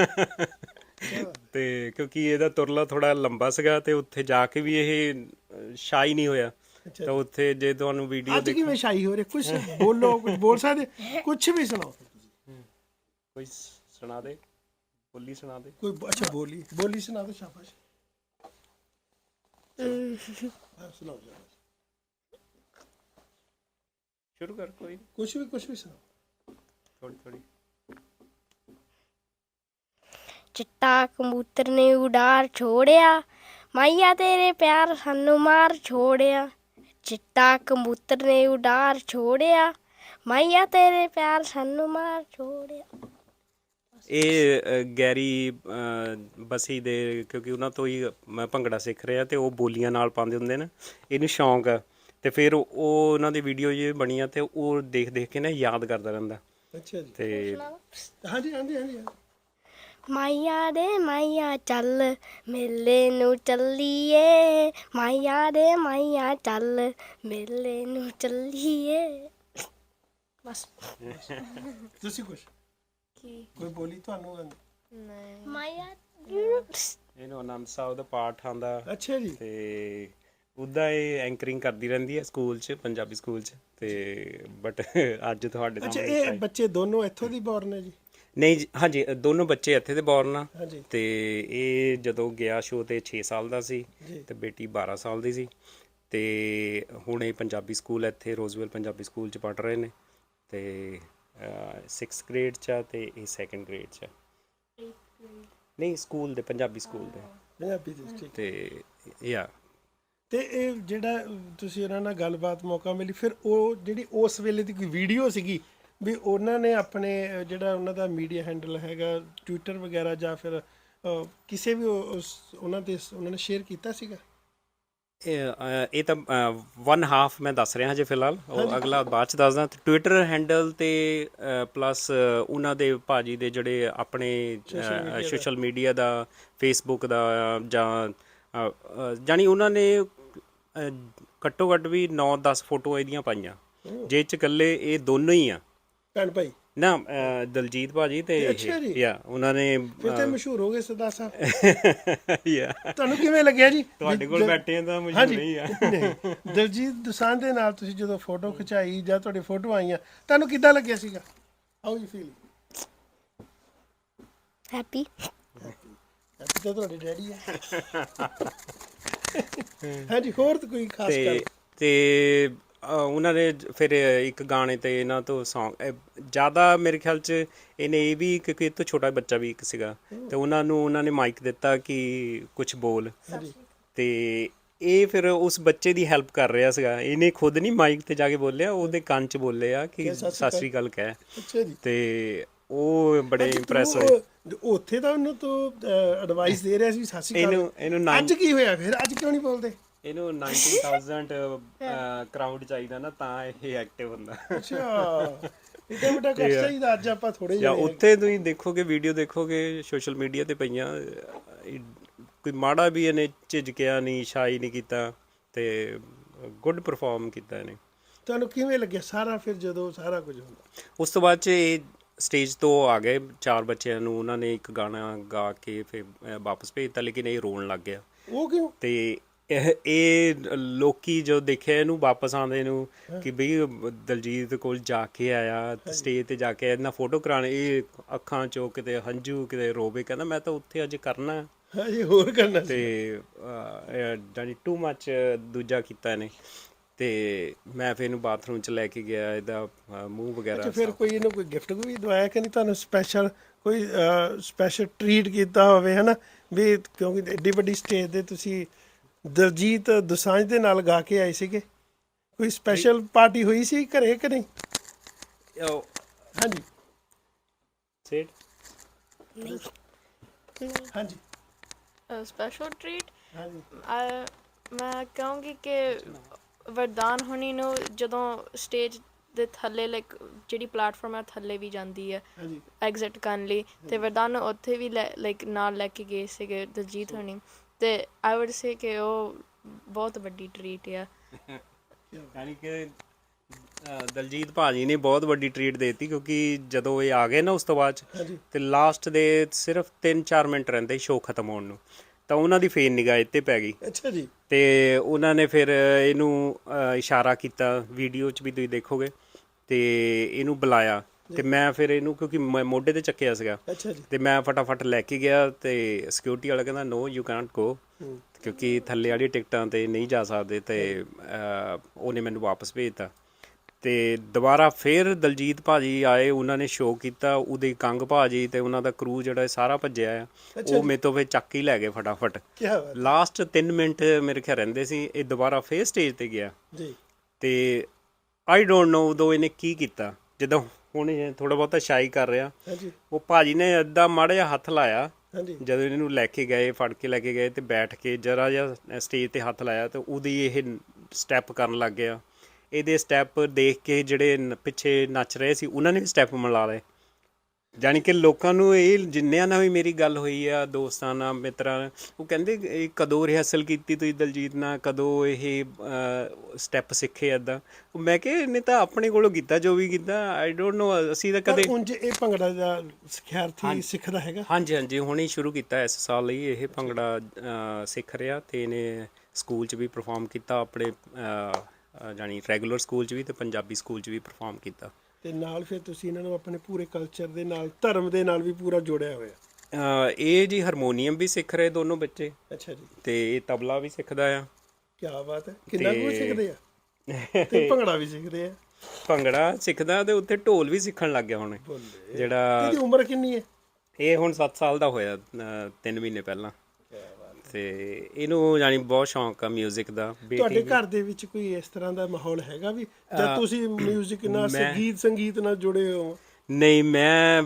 ਤੇ ਕਿਉਂਕਿ ਇਹਦਾ ਤੁਰਲਾ ਥੋੜਾ ਲੰਬਾ ਸੀਗਾ ਤੇ ਉੱਥੇ ਜਾ ਕੇ ਵੀ ਇਹ ਸ਼ਾਈ ਨਹੀਂ ਹੋਇਆ। ਤਾਂ ਉੱਥੇ ਜੇ ਤੁਹਾਨੂੰ ਵੀਡੀਓ ਅੱਜ ਕਿਵੇਂ ਸ਼ਾਈ ਹੋ ਰਹੇ? ਕੁਝ ਬੋਲੋ, ਕੁਝ ਬੋਲ ਸਕਦੇ, ਕੁਝ ਵੀ ਸੁਣਾਓ। ਕੋਈ ਸੁਣਾ ਦੇ, ਬੋਲੀ ਸੁਣਾ ਦੇ ਕੋਈ। ਅੱਛਾ, ਬੋਲੀ ਸੁਣਾ ਦੋ, ਸ਼ਾਬਾਸ਼। ਸੁਣਾਓ ਜੀ, ਸ਼ੁਰੂ ਕਰ। ਕੋਈ ਕੁਝ ਵੀ ਸੁਣਾਓ, ਥੋੜੀ। ਚਿੱਟਾ ਕਬੂਤਰ ਨੇ ਉਡਾਰ ਛੋੜਿਆ, ਮਾਈਆ ਤੇਰੇ ਪਿਆਰ ਸਾਨੂੰ ਮਾਰ ਛੋੜਿਆ। ਚਿੱਟਾ ਕਬੂਤਰ ਨੇ ਉਡਾਰ ਛੋੜਿਆ, ਮਾਈਆ ਤੇਰੇ ਪਿਆਰ ਸਾਨੂੰ ਮਾਰ ਛੋੜਿਆ। ਇਹ ਗੈਰੀ ਬਸੀ ਦੇ, ਕਿਉਂਕਿ ਉਹਨਾਂ ਤੋਂ ਹੀ ਮੈਂ ਭੰਗੜਾ ਸਿੱਖ ਰਿਹਾ ਤੇ ਉਹ ਬੋਲੀਆਂ ਨਾਲ ਪਾਉਂਦੇ ਹੁੰਦੇ ਨੇ, ਇਹਨੂੰ ਸ਼ੌਂਕ ਆ। ਤੇ ਫਿਰ ਉਹ ਉਹਨਾਂ ਦੀ ਵੀਡੀਓ ਜੇ ਬਣੀਆਂ ਤੇ ਉਹ ਦੇਖ ਕੇ ਨਾ ਯਾਦ ਕਰਦਾ ਰਹਿੰਦਾ। ਅੱਛਾ ਜੀ। ਤੇ ਹਾਂਜੀ। ਮਾਈਆ ਦੇ ਮਾਈਆ ਚੱਲ ਮੇਲੇ ਨੂੰ ਚੱਲੀਏ, ਮਾਈਆ ਦੇ ਮਾਈਆ ਚੱਲ ਮੇਲੇ ਨੂੰ ਚੱਲੀਏ। ਬਸ। ਤੁਸੀਂ ਕੁਝ ਕੋਈ ਬੋਲੀ ਤੁਹਾਨੂੰ? ਨਹੀਂ। ਮਾਈਆ ਇਹਨੂੰ ਆਨੰਦ ਸਾਹਿਬ ਦਾ ਪਾਠ ਆਉਂਦਾ। ਅੱਛਾ ਜੀ। ਤੇ ਉੱਦਾਂ ਇਹ ਐਂਕਰਿੰਗ ਕਰਦੀ ਰਹਿੰਦੀ ਹੈ ਸਕੂਲ 'ਚ, ਪੰਜਾਬੀ ਸਕੂਲ 'ਚ। ਤੇ ਬਟ ਅੱਜ ਤੁਹਾਡੇ ਅੱਛਾ, ਸਾਹਮਣੇ ਇਹ ਬੱਚੇ ਦੋਨੋਂ ਇੱਥੋਂ ਦੀ ਬੋਰਨ ਨੇ ਜੀ? ਨਹੀਂ ਜੀ, ਹਾਂਜੀ, ਦੋਨੋਂ ਬੱਚੇ ਇੱਥੇ ਦੇ ਬੋਰਨ ਆ। ਹਾਂਜੀ। ਤੇ ਇਹ ਜਦੋਂ ਗਿਆ ਸ਼ੋਅ ਤੇ 6 ਸਾਲ ਦਾ ਸੀ ਜੀ। ਤੇ ਬੇਟੀ 12 ਸਾਲ ਦੀ ਸੀ। ਤੇ ਹੁਣ ਇਹ ਪੰਜਾਬੀ ਸਕੂਲ ਇੱਥੇ ਰੋਜ਼ਵੈਲ ਪੰਜਾਬੀ ਸਕੂਲ 'ਚ ਪੜ੍ਹ ਰਹੇ ਨੇ ਤੇ 6th ਗ੍ਰੇਡ 'ਚ ਆ ਤੇ ਇਹ 2nd ਗ੍ਰੇਡ 'ਚ ਆ। ਨਹੀਂ, ਸਕੂਲ ਦੇ, ਪੰਜਾਬੀ ਸਕੂਲ ਦੇ। ਪੰਜਾਬੀ ਦੇ, ਠੀਕ। ਤੇ ਤੇ ਇਹ ਜਿਹੜਾ ਤੁਸੀਂ ਉਹਨਾਂ ਨਾਲ ਗੱਲਬਾਤ ਮੌਕਾ ਮਿਲੀ, ਫਿਰ ਉਹ ਜਿਹੜੀ ਉਸ ਵੇਲੇ ਦੀ ਕੋਈ ਵੀਡੀਓ ਸੀਗੀ ਵੀ ਉਹਨਾਂ ਨੇ ਆਪਣੇ ਜਿਹੜਾ ਉਹਨਾਂ ਦਾ ਮੀਡੀਆ ਹੈਂਡਲ ਹੈਗਾ ਟਵਿੱਟਰ ਵਗੈਰਾ ਜਾਂ ਫਿਰ ਕਿਸੇ ਵੀ ਉਹਨਾਂ ਨੇ ਸ਼ੇਅਰ ਕੀਤਾ ਸੀਗਾ? ਇਹ ਤਾਂ 1/2 ਮੈਂ ਦੱਸ ਰਿਹਾ ਹਜੇ ਫਿਲਹਾਲ, ਉਹ ਅਗਲਾ ਬਾਅਦ ਚ ਦੱਸਦਾ। ਟਵਿੱਟਰ ਹੈਂਡਲ ਤੇ ਪਲੱਸ ਉਹਨਾਂ ਦੇ ਭਾਜੀ ਦੇ ਜਿਹੜੇ ਆਪਣੇ ਸੋਸ਼ਲ ਮੀਡੀਆ ਦਾ, ਫੇਸਬੁੱਕ ਦਾ ਜਾਂ ਜਾਣੀ ਉਹਨਾਂ ਨੇ ਘੱਟੋ ਘੱਟ ਵੀ 9-10 ਫੋਟੋ ਇਹਦੀਆਂ ਪਾਈਆਂ, ਜਿਹ ਚ ਇਕੱਲੇ ਇਹ ਦੋਨੋਂ ਹੀ ਆ ਭੈਣ ਭਾਈ ਨਾ, ਦਲਜੀਤ ਭਾਜੀ ਤੇ ਯਾ ਉਹਨਾਂ ਨੇ ਫਿਰ ਤੇ ਮਸ਼ਹੂਰ ਹੋ ਗਏ ਸਰਦਾਰ ਸਾਹਿਬ। ਯਾ ਤੁਹਾਨੂੰ ਕਿਵੇਂ ਲੱਗਿਆ ਜੀ? ਤੁਹਾਡੇ ਕੋਲ ਬੈਠੇ ਤਾਂ ਮਸ਼ਹੂਰ ਹੀ ਆ। ਦਲਜੀਤ ਦੋਸਾਂਝ ਦੇ ਨਾਲ ਤੁਸੀਂ ਜਦੋਂ ਫੋਟੋ ਖਿਚਾਈ ਜਾਂ ਤੁਹਾਡੀ ਫੋਟੋ ਆਈਆਂ, ਤੁਹਾਨੂੰ ਕਿੱਦਾਂ ਲੱਗਿਆ ਸੀਗਾ? How you feel? Happy. Happy ਤਾਂ ਤੁਹਾਡੇ ਡੈਡੀ ਆ। ਹਾਂਜੀ, ਹੋਰ ਤਾਂ ਕੋਈ ਖਾਸ ਗੱਲ? ਤੇ ਉਹਨਾਂ ਨੇ ਫਿਰ ਇੱਕ ਗਾਣੇ ਤੇ ਇਹਨਾਂ ਤੋਂ ਸੌਂਗ ਜ਼ਿਆਦਾ ਮੇਰੇ ਖਿਆਲ 'ਚ ਇਹਨੇ ਇਹ ਵੀ ਕਿਉਂਕਿ ਇਹ ਤੋਂ ਛੋਟਾ ਬੱਚਾ ਵੀ ਇੱਕ ਸੀਗਾ ਤੇ ਉਹਨਾਂ ਨੇ ਮਾਈਕ ਦਿੱਤਾ ਕਿ ਕੁਝ ਬੋਲ, ਤੇ ਇਹ ਫਿਰ ਉਸ ਬੱਚੇ ਦੀ ਹੈਲਪ ਕਰ ਰਿਹਾ ਸੀਗਾ। ਇਹਨੇ ਖੁਦ ਨਹੀਂ ਮਾਈਕ ਤੇ ਜਾ ਕੇ ਬੋਲਿਆ, ਉਹਦੇ ਕੰਨ 'ਚ ਬੋਲਿਆ ਕਿ ਸਤਿ ਸ੍ਰੀ ਅਕਾਲ ਕਹਿ। ਅੱਛਾ ਜੀ। ਤੇ ਉਹ ਬੜੇ ਇੰਪ੍ਰੈਸ ਹੋਏ। ਉੱਥੇ ਤਾਂ ਉਹਨੂੰ ਤੋਂ ਐਡਵਾਈਸ ਦੇ ਰਿਹਾ ਸੀ ਸਤਿ ਸ੍ਰੀ ਅਕਾਲ। ਇਹਨੂੰ ਅੱਜ ਕੀ ਹੋਇਆ ਫਿਰ? ਅੱਜ ਕਿਉਂ ਨਹੀਂ ਬੋਲਦੇ? ਇਹਨੂੰ 90,000 ਕਰਾਊਡ ਚਾਹੀਦਾ ਨਾ, ਤਾਂ ਇਹ ਐਕਟਿਵ ਹੁੰਦਾ। ਅੱਛਾ, ਇਹਦਾ ਬੇਟਾ ਕੁਛ ਚਾਹੀਦਾ। ਅੱਜ ਆਪਾਂ ਥੋੜੇ ਜਾਂ ਉੱਥੇ ਤੁਸੀਂ ਦੇਖੋਗੇ, ਵੀਡੀਓ ਦੇਖੋਗੇ ਸੋਸ਼ਲ ਮੀਡੀਆ ਤੇ ਪਈਆਂ, ਕੋਈ ਮਾੜਾ ਵੀ ਇਹਨੇ ਝਿਜਕਿਆ ਨਹੀਂ, ਸ਼ਾਈ ਨਹੀਂ ਕੀਤਾ, ਤੇ ਗੁੱਡ ਪਰਫਾਰਮ ਕੀਤਾ ਇਹਨੇ। ਤੁਹਾਨੂੰ ਕਿਵੇਂ ਲੱਗਿਆ ਸਾਰਾ ਫਿਰ ਜਦੋਂ ਸਾਰਾ ਕੁਝ ਹੁੰਦਾ? ਉਸ ਤੋਂ ਬਾਅਦ 'ਚ ਇਹ ਸਟੇਜ ਤੋਂ ਆ ਗਏ 4 ਬੱਚਿਆਂ ਨੂੰ, ਉਹਨਾਂ ਨੇ ਇੱਕ ਗਾਣਾ ਗਾ ਕੇ ਫਿਰ ਵਾਪਸ ਭੇਜਤਾ, ਲੇਕਿਨ ਇਹ ਰੋਣ ਲੱਗ ਗਿਆ। ਉਹ ਕਿਉਂ? ਤੇ ਇਹ ਲੋਕੀ ਜੋ ਦੇਖਿਆ ਇਹਨੂੰ ਵਾਪਸ ਆਉਂਦੇ ਨੂੰ ਕਿ ਬਈ ਦਲਜੀਤ ਕੋਲ ਜਾ ਕੇ ਆਇਆ, ਸਟੇਜ ਤੇ ਜਾ ਕੇ ਇਹਨਾਂ ਫੋਟੋ ਕਰਾਉਣ, ਇਹ ਅੱਖਾਂ ਚੋਂ ਕਿਤੇ ਹੰਝੂ ਕਿਤੇ ਰੋਵੇ, ਕਹਿੰਦਾ ਮੈਂ ਤਾਂ ਉੱਥੇ ਅੱਜ ਕਰਨਾ ਹਜੇ ਹੋਰ ਕਰਨਾ। ਤੇ ਜਾਨੀ ਟੂ ਮੱਚ ਦੂਜਾ ਕੀਤਾ ਇਹਨੇ। ਤੇ ਮੈਂ ਫਿਰ ਇਹਨੂੰ ਬਾਥਰੂਮ 'ਚ ਲੈ ਕੇ ਗਿਆ, ਇਹਦਾ ਮੂੰਹ ਵਗੈਰਾ। ਫਿਰ ਕੋਈ ਇਹਨੂੰ ਕੋਈ ਗਿਫਟ ਵੀ ਦਵਾਇਆ ਕਿ ਨਹੀਂ ਤੁਹਾਨੂੰ? ਸਪੈਸ਼ਲ ਕੋਈ ਸਪੈਸ਼ਲ ਟਰੀਟ ਕੀਤਾ ਹੋਵੇ, ਹੈ ਨਾ ਵੀ, ਕਿਉਂਕਿ ਐਡੀ ਵੱਡੀ ਸਟੇਜ ਤੇ ਤੁਸੀਂ ਦਲਜੀਤ ਦੋਸਾਂਝ ਦੇ ਨਾਲ ਗਾ ਕੇ ਆਏ ਸੀਗੇ, ਕੋਈ ਸਪੈਸ਼ਲ ਪਾਰਟੀ ਹੋਈ ਸੀ ਘਰੇ ਕਿ ਨਹੀਂ? ਹਾਂਜੀ ਸੇਟ ਹਾਂਜੀ ਸਪੈਸ਼ਲ ਟ੍ਰੀਟ ਹਾਂਜੀ ਮੈਂ ਕਹਾਂਗੀ ਕਿ ਵਰਦਾਨ ਹੁਣੀ ਨੂੰ ਜਦੋਂ ਸਟੇਜ ਦੇ ਥੱਲੇ ਲਾਈਕ ਜਿਹੜੀ ਪਲੇਟਫਾਰਮ ਹੈ ਥੱਲੇ ਵੀ ਜਾਂਦੀ ਹੈ ਹਾਂਜੀ ਐਗਜ਼ਿਟ ਕਰਨ ਲਈ, ਤੇ ਵਰਦਾਨ ਨੂੰ ਉੱਥੇ ਵੀ ਲਾਈਕ ਨਾਲ ਲੈ ਕੇ ਗਏ ਸੀਗੇ ਦਲਜੀਤ ਹੁਣੀ, ਤੇ ਆਈ ਵੁੱਡ ਸੇ ਕਿ ਉਹ ਬਹੁਤ ਵੱਡੀ ਟਰੀਟ ਆ। ਯਾਨੀ ਕਿ ਦਲਜੀਤ ਭਾਜੀ ਨੇ ਬਹੁਤ ਵੱਡੀ ਟਰੀਟ ਦੇਤੀ, ਕਿਉਂਕਿ ਜਦੋਂ ਇਹ ਆ ਗਏ ਨਾ ਉਸ ਤੋਂ ਬਾਅਦ 'ਚ ਤੇ ਲਾਸਟ ਦੇ ਸਿਰਫ 3-4 ਮਿੰਟ ਰਹਿੰਦੇ ਸ਼ੋਅ ਖਤਮ ਹੋਣ ਨੂੰ, ਤਾਂ ਉਹਨਾਂ ਦੀ ਫੇਨ ਨਿਗਾਹ ਇੱਥੇ ਪੈ ਗਈ। ਅੱਛਾ ਜੀ। ਤੇ ਉਹਨਾਂ ਨੇ ਫਿਰ ਇਹਨੂੰ ਇਸ਼ਾਰਾ ਕੀਤਾ, ਵੀਡੀਓ 'ਚ ਵੀ ਤੁਸੀਂ ਦੇਖੋਗੇ, ਤੇ ਇਹਨੂੰ ਬੁਲਾਇਆ, ਤੇ ਮੈਂ ਫਿਰ ਇਹਨੂੰ ਕਿਉਂਕਿ ਮੈਂ ਮੋਢੇ ਤੇ ਚੱਕਿਆ ਸੀਗਾ, ਤੇ ਮੈਂ ਫਟਾਫਟ ਲੈ ਕੇ ਗਿਆ, ਤੇ ਸਿਕਿਉਰਿਟੀ ਵਾਲਾ ਕਹਿੰਦਾ ਨੋ ਯੂ ਕੈਨਟ ਗੋ, ਕਿਉਂਕਿ ਥੱਲੇ ਵਾਲੀ ਟਿਕਟਾਂ ਤੇ ਨਹੀਂ ਜਾ ਸਕਦੇ, ਤੇ ਉਹਨੇ ਮੈਨੂੰ ਵਾਪਸ ਭੇਜਤਾ। ਤੇ ਦੁਬਾਰਾ ਫਿਰ ਦਲਜੀਤ ਭਾਜੀ ਆਏ, ਉਹਨਾਂ ਨੇ ਸ਼ੋਅ ਕੀਤਾ, ਉਹਦੇ ਕੰਗ ਭਾਜੀ ਤੇ ਉਹਨਾਂ ਦਾ ਕਰੂ ਜਿਹੜਾ ਸਾਰਾ ਭੱਜਿਆ ਆ, ਉਹ ਮੇਰੇ ਤੋਂ ਫਿਰ ਚੱਕ ਹੀ ਲੈ ਗਏ ਫਟਾਫਟ। ਲਾਸਟ 3 ਮਿੰਟ ਮੇਰੇ ਖਿਆਲ ਰਹਿੰਦੇ ਸੀ, ਇਹ ਦੁਬਾਰਾ ਫਿਰ ਸਟੇਜ ਤੇ ਗਿਆ ਜੀ, ਤੇ ਆਈ ਡੋਂਟ ਨੋ ਉਦੋਂ ਇਹਨੇ ਕੀ ਕੀਤਾ। ਜਦੋਂ ਹੁਣ ਇਹ ਥੋੜਾ ਬਹੁਤਾ ਸ਼ਾਈ ਕਰ ਰਿਹਾ, ਉਹ ਭਾਜੀ ਨੇ ਏਦਾਂ ਮਾੜਾ ਜਿਹਾ ਹੱਥ ਲਾਇਆ, ਜਦੋਂ ਇਹਨੂੰ ਲੈ ਕੇ ਗਏ, ਫੜ ਕੇ ਲੈ ਕੇ ਗਏ, ਤੇ ਬੈਠ ਕੇ ਜਰਾ ਜਿਹਾ ਸਟੇਜ ਤੇ ਹੱਥ ਲਾਇਆ, ਤੇ ਉਹਦੀ ਇਹ ਸਟੈਪ ਕਰਨ ਲੱਗ ਗਿਆ। ਇਹਦੇ ਸਟੈਪ ਦੇਖ ਕੇ ਜਿਹੜੇ ਪਿੱਛੇ ਨੱਚ ਰਹੇ ਸੀ ਉਹਨਾਂ ਨੇ ਵੀ ਸਟੈਪ ਮਿਲਾ ਲਏ। ਜਾਣੀ ਕਿ ਲੋਕਾਂ ਨੂੰ ਇਹ, ਜਿੰਨਿਆਂ ਨਾਲ ਵੀ ਮੇਰੀ ਗੱਲ ਹੋਈ ਆ, ਦੋਸਤਾਂ ਨਾਲ, ਮਿੱਤਰਾਂ ਨਾਲ, ਉਹ ਕਹਿੰਦੇ ਇਹ ਕਦੋਂ ਰਿਹਰਸਲ ਕੀਤੀ ਤੁਸੀਂ ਦਲਜੀਤ ਨਾਲ, ਕਦੋਂ ਇਹ ਸਟੈਪ ਸਿੱਖੇ ਇੱਦਾਂ? ਮੈਂ ਕਿਹਾ ਇਹਨੇ ਤਾਂ ਆਪਣੇ ਕੋਲੋਂ ਕੀਤਾ ਜੋ ਵੀ ਕੀਤਾ, ਆਈ ਡੋਂਟ ਨੋ, ਅਸੀਂ ਤਾਂ ਕਦੇ। ਉਂਝ ਇਹ ਭੰਗੜਾ ਦਾ ਸਿਖਿਆਰਥੀ ਸਿੱਖਦਾ ਹੈਗਾ? ਹਾਂਜੀ ਹਾਂਜੀ, ਹੁਣੇ ਸ਼ੁਰੂ ਕੀਤਾ ਇਸ ਸਾਲ ਲਈ ਇਹ ਭੰਗੜਾ ਸਿੱਖ ਰਿਹਾ, ਤੇ ਇਹਨੇ ਸਕੂਲ 'ਚ ਵੀ ਪਰਫਾਰਮ ਕੀਤਾ, ਆਪਣੇ ਜਾਣੀ ਰੈਗੂਲਰ ਸਕੂਲ 'ਚ ਵੀ ਤੇ ਪੰਜਾਬੀ ਸਕੂਲ 'ਚ ਵੀ ਪਰਫਾਰਮ ਕੀਤਾ। ਤੇ ਨਾਲ ਫਿਰ ਤੁਸੀਂ ਇਹਨਾਂ ਨੂੰ ਆਪਣੇ ਪੂਰੇ ਕਲਚਰ ਦੇ ਨਾਲ, ਧਰਮ ਦੇ ਨਾਲ ਵੀ ਪੂਰਾ ਜੋੜਿਆ ਹੋਇਆ? ਇਹ ਜੀ ਹਾਰਮੋਨੀਅਮ ਵੀ ਸਿੱਖ ਰਹੇ ਦੋਨੋਂ ਬੱਚੇ। ਅੱਛਾ ਜੀ। ਤੇ ਇਹ ਤਬਲਾ ਵੀ ਸਿੱਖਦਾ ਆ। ਕੀ ਬਾਤ ਹੈ। ਕਿੰਨਾ ਕੁ ਸਿੱਖਦੇ ਆ? ਤੇ ਭੰਗੜਾ ਵੀ ਸਿੱਖਦੇ ਆ? ਭੰਗੜਾ ਸਿੱਖਦਾ, ਤੇ ਉੱਥੇ ਢੋਲ ਵੀ ਸਿੱਖਣ ਲੱਗ ਗਿਆ ਹੁਣ। ਜਿਹੜਾ ਇਹਦੀ ਉਮਰ ਕਿੰਨੀ ਹੈ? ਇਹ ਹੁਣ 7 ਸਾਲ ਦਾ ਹੋਇਆ, 3 ਮਹੀਨੇ ਪਹਿਲਾਂ। ਤੇ ਇਹਨੂੰ ਯਾਨੀ ਬਹੁਤ ਸ਼ੌਂਕ ਆ 뮤직 ਦਾ। ਤੁਹਾਡੇ ਬੇਟੀ ਘਰ ਦੇ ਵਿੱਚ ਕੋਈ ਇਸ ਤਰ੍ਹਾਂ ਦਾ ਮਾਹੌਲ ਹੈਗਾ ਵੀ ਜਦ ਤੁਸੀਂ 뮤직 ਨਾਲ ਸੰਗੀਤ ਨਾਲ ਜੁੜੇ ਹੋ? ਨਹੀਂ, ਮੈਂ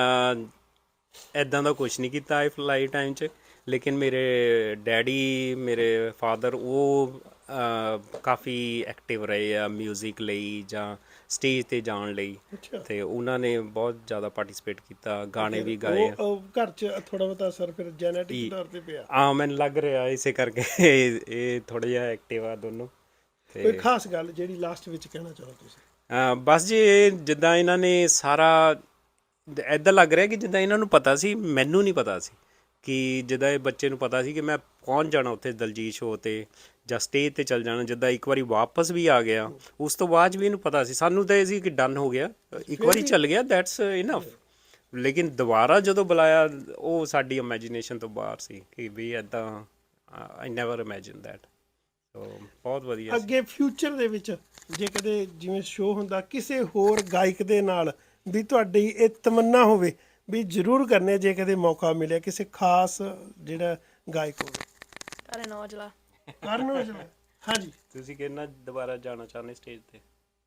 ਐਦਾਂ ਦਾ ਕੁਝ ਨਹੀਂ ਕੀਤਾ ਲਾਈਫ ਟਾਈਮ 'ਚ, ਲੇਕਿਨ ਮੇਰੇ ਡੈਡੀ, ਮੇਰੇ ਫਾਦਰ, ਉਹ ਕਾਫੀ ਐਕਟਿਵ ਰਹੇ ਆ 뮤직 ਲਈ ਜਾਂ ਸਟੇਜ ਤੇ ਜਾਣ ਲਈ। ਤੇ ਉਹਨਾਂ ਨੇ ਬਹੁਤ ਜ਼ਿਆਦਾ ਪਾਰਟਿਸਿਪੇਟ ਕੀਤਾ, ਗਾਣੇ ਵੀ ਗਾਏ ਆ। ਉਹ ਘਰ 'ਚ ਥੋੜਾ ਬਹੁਤਾ ਅਸਰ ਫਿਰ ਜੈਨੇਟਿਕ ਤੌਰ ਤੇ ਪਿਆ? ਮੈਨੂੰ ਲੱਗ ਰਿਹਾ ਇਸੇ ਕਰਕੇ ਇਹ ਥੋੜਾ ਜਿਹਾ ਐਕਟਿਵ ਆ ਦੋਨੋਂ। ਕੋਈ ਖਾਸ ਗੱਲ ਜਿਹੜੀ ਲਾਸਟ ਵਿੱਚ ਕਹਿਣਾ ਚਾਹੋ ਤੁਸੀਂ? ਬਸ ਜੀ, ਜਿੱਦਾਂ ਇਹਨਾਂ ਨੇ ਸਾਰਾ ਐਦਾਂ ਲੱਗ ਰਿਹਾ ਕਿ ਜਿੱਦਾਂ ਇਹਨਾਂ ਨੂੰ ਪਤਾ ਸੀ, ਮੈਨੂੰ ਨਹੀਂ ਪਤਾ ਸੀ ਕਿ ਜਿੱਦਾਂ ਇਹ ਬੱਚੇ ਨੂੰ ਪਤਾ ਸੀ ਕਿ ਮੈਂ ਪਹੁੰਚ ਜਾਣਾ ਉੱਥੇ ਦਲਜੀਤ ਸ਼ੋਅ ਤੇ ਜਾਂ ਸਟੇਜ ਤੇ ਚੱਲ ਜਾਣਾ। ਜਿੱਦਾਂ ਇੱਕ ਵਾਰੀ ਵਾਪਸ ਵੀ ਆ ਗਿਆ, ਉਸ ਤੋਂ ਬਾਅਦ ਵੀ ਇਹਨੂੰ ਪਤਾ ਸੀ। ਸਾਨੂੰ ਤਾਂ ਇਹ ਸੀ ਕਿ ਡਨ ਹੋ ਗਿਆ, ਇੱਕ ਵਾਰੀ ਚੱਲ ਗਿਆ, ਦੈਟਸ ਇਨਫ। ਲੇਕਿਨ ਦੁਬਾਰਾ ਜਦੋਂ ਬੁਲਾਇਆ, ਉਹ ਸਾਡੀ ਇਮੈਜੀਨੇਸ਼ਨ ਤੋਂ ਬਾਹਰ ਸੀ ਕਿ ਵੀ ਐਦਾਂ I never imagine that. So ਬਹੁਤ ਵਧੀਆ। ਅੱਗੇ ਫਿਊਚਰ ਦੇ ਵਿੱਚ ਜੇ ਕਦੇ ਜਿਵੇਂ ਸ਼ੋਅ ਹੁੰਦਾ ਕਿਸੇ ਹੋਰ ਗਾਇਕ ਦੇ ਨਾਲ ਵੀ ਤੁਹਾਡੀ ਇਹ ਤਮੰਨਾ ਹੋਵੇ ਵੀ ਜ਼ਰੂਰ ਕਰਨੇ, ਜੇ ਕਦੇ ਮੌਕਾ ਮਿਲਿਆ ਕਿਸੇ ਖਾਸ ਜਿਹੜਾ ਗਾਇਕ ਹੋਵੇ? ਕਰਨ ਔਜਲਾ। ਕਰਨ ਔਜਲਾ, ਹਾਂਜੀ। ਤੁਸੀਂ ਕਿੰਨਾ ਦੁਬਾਰਾ ਜਾਣਾ ਚਾਹੁੰਦੇ ਸਟੇਜ ਤੇ?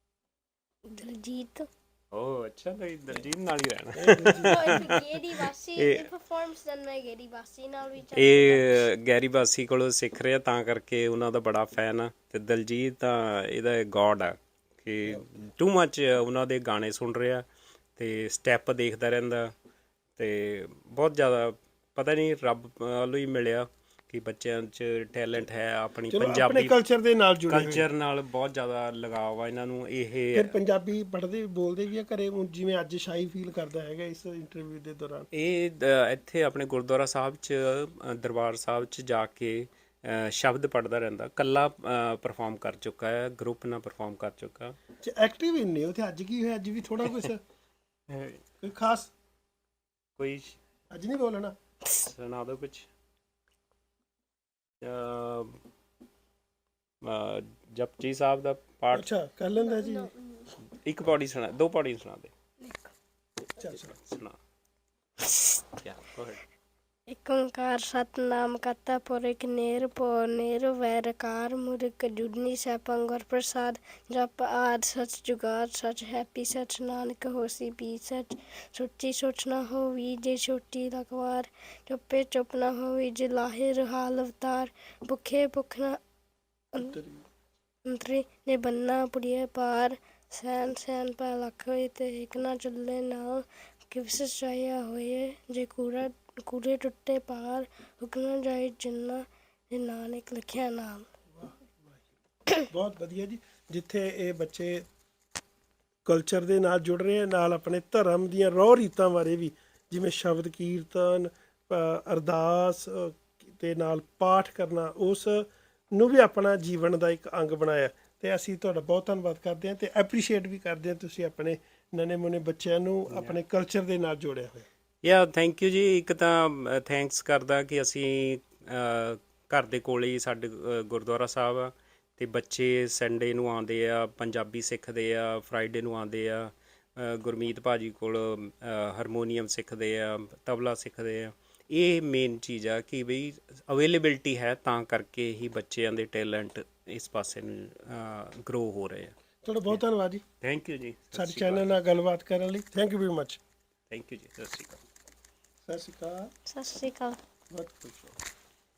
ਦਲਜੀਤ। ਓਹ ਅੱਛਾ, ਤਾਂ ਦਲਜੀਤ ਨਾਲ ਹੀ ਰਹਿਣਾ। ਗੇਰੀ ਬਾਸੀ ਦੀ ਪਰਫਾਰਮੈਂਸ ਦਨ ਮੈਂ ਗੇਰੀ ਬਾਸੀ ਨਾਲ ਵੀ ਇਹ ਗੈਰੀ ਬਾਸੀ ਕੋਲੋਂ ਸਿੱਖ ਰਿਹਾ, ਤਾਂ ਕਰਕੇ ਉਹਨਾਂ ਦਾ ਬੜਾ ਫੈਨ ਆ। ਤੇ ਦਲਜੀਤ ਤਾਂ ਇਹਦਾ ਗੋਡ ਆ ਕਿ ਟੂ ਮੱਚ ਉਹਨਾਂ ਦੇ ਗਾਣੇ ਸੁਣ ਰਿਹਾ ਤੇ ਸਟੈਪ ਦੇਖਦਾ ਰਹਿੰਦਾ। ਤੇ ਬਹੁਤ ਜ਼ਿਆਦਾ ਪਤਾ ਨਹੀਂ ਰੱਬ ਵੱਲੋਂ ਹੀ ਮਿਲਿਆ ਕਿ ਬੱਚਿਆਂ 'ਚ ਟੈਲੈਂਟ ਹੈ। ਆਪਣੀ ਪੰਜਾਬੀ ਕਲਚਰ ਦੇ ਨਾਲ ਜੁੜੇ ਹੋਏ। ਕਲਚਰ ਨਾਲ ਬਹੁਤ ਜ਼ਿਆਦਾ ਲਗਾਵ ਆ ਇਹਨਾਂ ਨੂੰ। ਇਹ ਫਿਰ ਪੰਜਾਬੀ ਪੜ੍ਹਦੇ ਬੋਲਦੇ ਵੀ ਆ ਘਰੇ, ਜਿਵੇਂ ਅੱਜ ਸ਼ਾਈ ਫੀਲ ਕਰਦਾ ਹੈਗਾ ਇਸ ਇੰਟਰਵਿਊ ਦੇ ਦੌਰਾਨ? ਇਹ ਇੱਥੇ ਆਪਣੇ ਗੁਰਦੁਆਰਾ ਸਾਹਿਬ 'ਚ, ਦਰਬਾਰ ਸਾਹਿਬ 'ਚ ਜਾ ਕੇ ਸ਼ਬਦ ਪੜ੍ਹਦਾ ਰਹਿੰਦਾ। ਕੱਲਾ ਪਰਫਾਰਮ ਕਰ ਚੁੱਕਾ ਹੈ, ਗਰੁੱਪ ਨਾਲ ਪਰਫਾਰਮ ਕਰ ਚੁੱਕਾ। ਐਕਟਿਵ ਹੀ ਨਹੀਂ ਉੱਥੇ। ਅੱਜ ਕੀ ਹੋਇਆ? ਅੱਜ ਵੀ ਥੋੜਾ ਕੁਛ ਕੋਈ ਖਾਸ? ਕੋਈ ਅੱਜ ਨਹੀਂ ਬੋਲਣਾ? ਸੁਣਾ ਦਿਓ ਕੁਛ। ਜਪਜੀ ਸਾਹਿਬ ਦਾ ਪਾਠ। ਅੱਛਾ, ਕਰ ਲੈਂਦਾ ਜੀ। ਇੱਕ ਪੌੜੀ ਸੁਣਾ, ਦੋ ਪੌੜੀ ਸੁਣਾ ਦੇ। ਚੱਲ ਸੁਣਾ। Yeah, go ahead. ਏਕ ਓੰਕਾਰ ਸਤਨਾਮ ਕਰਤਾ ਪੁਰਖ ਨਿਰਭਉ ਨਿਰਵੈਰਕਾਰ ਮੁਰਖ ਜੁਗਨੀ ਸੈਭੰ ਗੁਰ ਪ੍ਰਸਾਦ। ਜਪ ਆਦਿ ਸਚ ਜੁਗਾਦ ਸਚ ਹੈਪੀ ਸਚ ਨਾਨਕ ਹੋਸੀ ਵੀ ਸਚ। ਸੋਚੀ ਸੋਚ ਨਾ ਹੋਵੀ ਜੇ ਛੋਟੀ ਲਖਵਾਰ। ਚੁੱਪੇ ਚੁੱਪ ਨਾ ਹੋਵੀ ਜੇ ਲਾਹੇ ਰਹਾਲ ਅਵਤਾਰ। ਭੁੱਖੇ ਭੁੱਖ ਨਾ ਅੰਤਰੀ ਨੇ ਬੰਨਾ ਪੁੜੀਏ ਪਾਰ। ਸੈਨ ਸੈਨ ਪੈ ਲੱਖ ਹੋਏ ਤੇ ਇੱਕ ਨਾ ਚੱਲੇ ਨਾਲ। ਕਿਵਸ ਚਾਹਿਆ ਹੋਏ ਜੇ ਕੂੜੇ ਟੁੱਟੇ ਪਾਰ। ਹੁਕਮ ਜਾਏ ਜਿੰਨਾ ਜੇ ਨਾਨਕ ਲਿਖਿਆ ਨਾਮ। ਬਹੁਤ ਵਧੀਆ ਜੀ। ਜਿੱਥੇ ਇਹ ਬੱਚੇ ਕਲਚਰ ਦੇ ਨਾਲ ਜੁੜ ਰਹੇ ਆ, ਨਾਲ ਆਪਣੇ ਧਰਮ ਦੀਆਂ ਰਹੁ ਰੀਤਾਂ ਬਾਰੇ ਵੀ, ਜਿਵੇਂ ਸ਼ਬਦ ਕੀਰਤਨ, ਅਰਦਾਸ ਤੇ ਨਾਲ ਪਾਠ ਕਰਨਾ, ਉਸ ਨੂੰ ਵੀ ਆਪਣਾ ਜੀਵਨ ਦਾ ਇੱਕ ਅੰਗ ਬਣਾਇਆ। ਤੇ ਅਸੀਂ ਤੁਹਾਡਾ ਬਹੁਤ ਧੰਨਵਾਦ ਕਰਦੇ ਹਾਂ ਤੇ ਐਪਰੀਸ਼ੀਏਟ ਵੀ ਕਰਦੇ ਹਾਂ ਤੁਸੀਂ ਆਪਣੇ ਨਵੇਂ ਮੁੰਨੇ ਬੱਚਿਆਂ ਨੂੰ ਆਪਣੇ ਕਲਚਰ ਦੇ ਨਾਲ ਜੋੜਿਆ ਹੋਇਆ। ਯਾ ਥੈਂਕ ਯੂ ਜੀ। ਇੱਕ ਤਾਂ ਥੈਂਕਸ ਕਰਦਾ ਕਿ ਅਸੀਂ ਘਰ ਦੇ ਕੋਲ ਹੀ ਸਾਡੇ ਗੁਰਦੁਆਰਾ ਸਾਹਿਬ ਆ, ਅਤੇ ਬੱਚੇ ਸੰਡੇ ਨੂੰ ਆਉਂਦੇ ਆ, ਪੰਜਾਬੀ ਸਿੱਖਦੇ ਆ, ਫਰਾਈਡੇ ਨੂੰ ਆਉਂਦੇ ਆ, ਗੁਰਮੀਤ ਭਾਜੀ ਕੋਲ ਹਾਰਮੋਨੀਅਮ ਸਿੱਖਦੇ ਆ, ਤਬਲਾ ਸਿੱਖਦੇ ਆ। ਇਹ ਮੇਨ ਚੀਜ਼ ਆ ਕਿ ਬਈ ਅਵੇਲੇਬਿਲਟੀ ਹੈ, ਤਾਂ ਕਰਕੇ ਹੀ ਬੱਚਿਆਂ ਦੇ ਟੈਲੈਂਟ ਇਸ ਪਾਸੇ ਨੂੰ ਗਰੋ ਹੋ ਰਹੇ ਆ। ਤੁਹਾਡਾ ਬਹੁਤ ਧੰਨਵਾਦ ਜੀ। ਥੈਂਕ ਯੂ ਜੀ। ਸਾਡੇ ਚੈਨਲ ਨਾਲ ਗੱਲਬਾਤ ਕਰਨ ਲਈ thank you very much. Thank you ਜੀ। ਸਤਿ ਸ਼੍ਰੀ ਅਕਾਲ। ਸਤਿ ਸ਼੍ਰੀ ਅਕਾਲ। ਸਤਿ ਸ਼੍ਰੀ ਅਕਾਲ। ਬਹੁਤ ਖੁਸ਼ ਹਾਂ।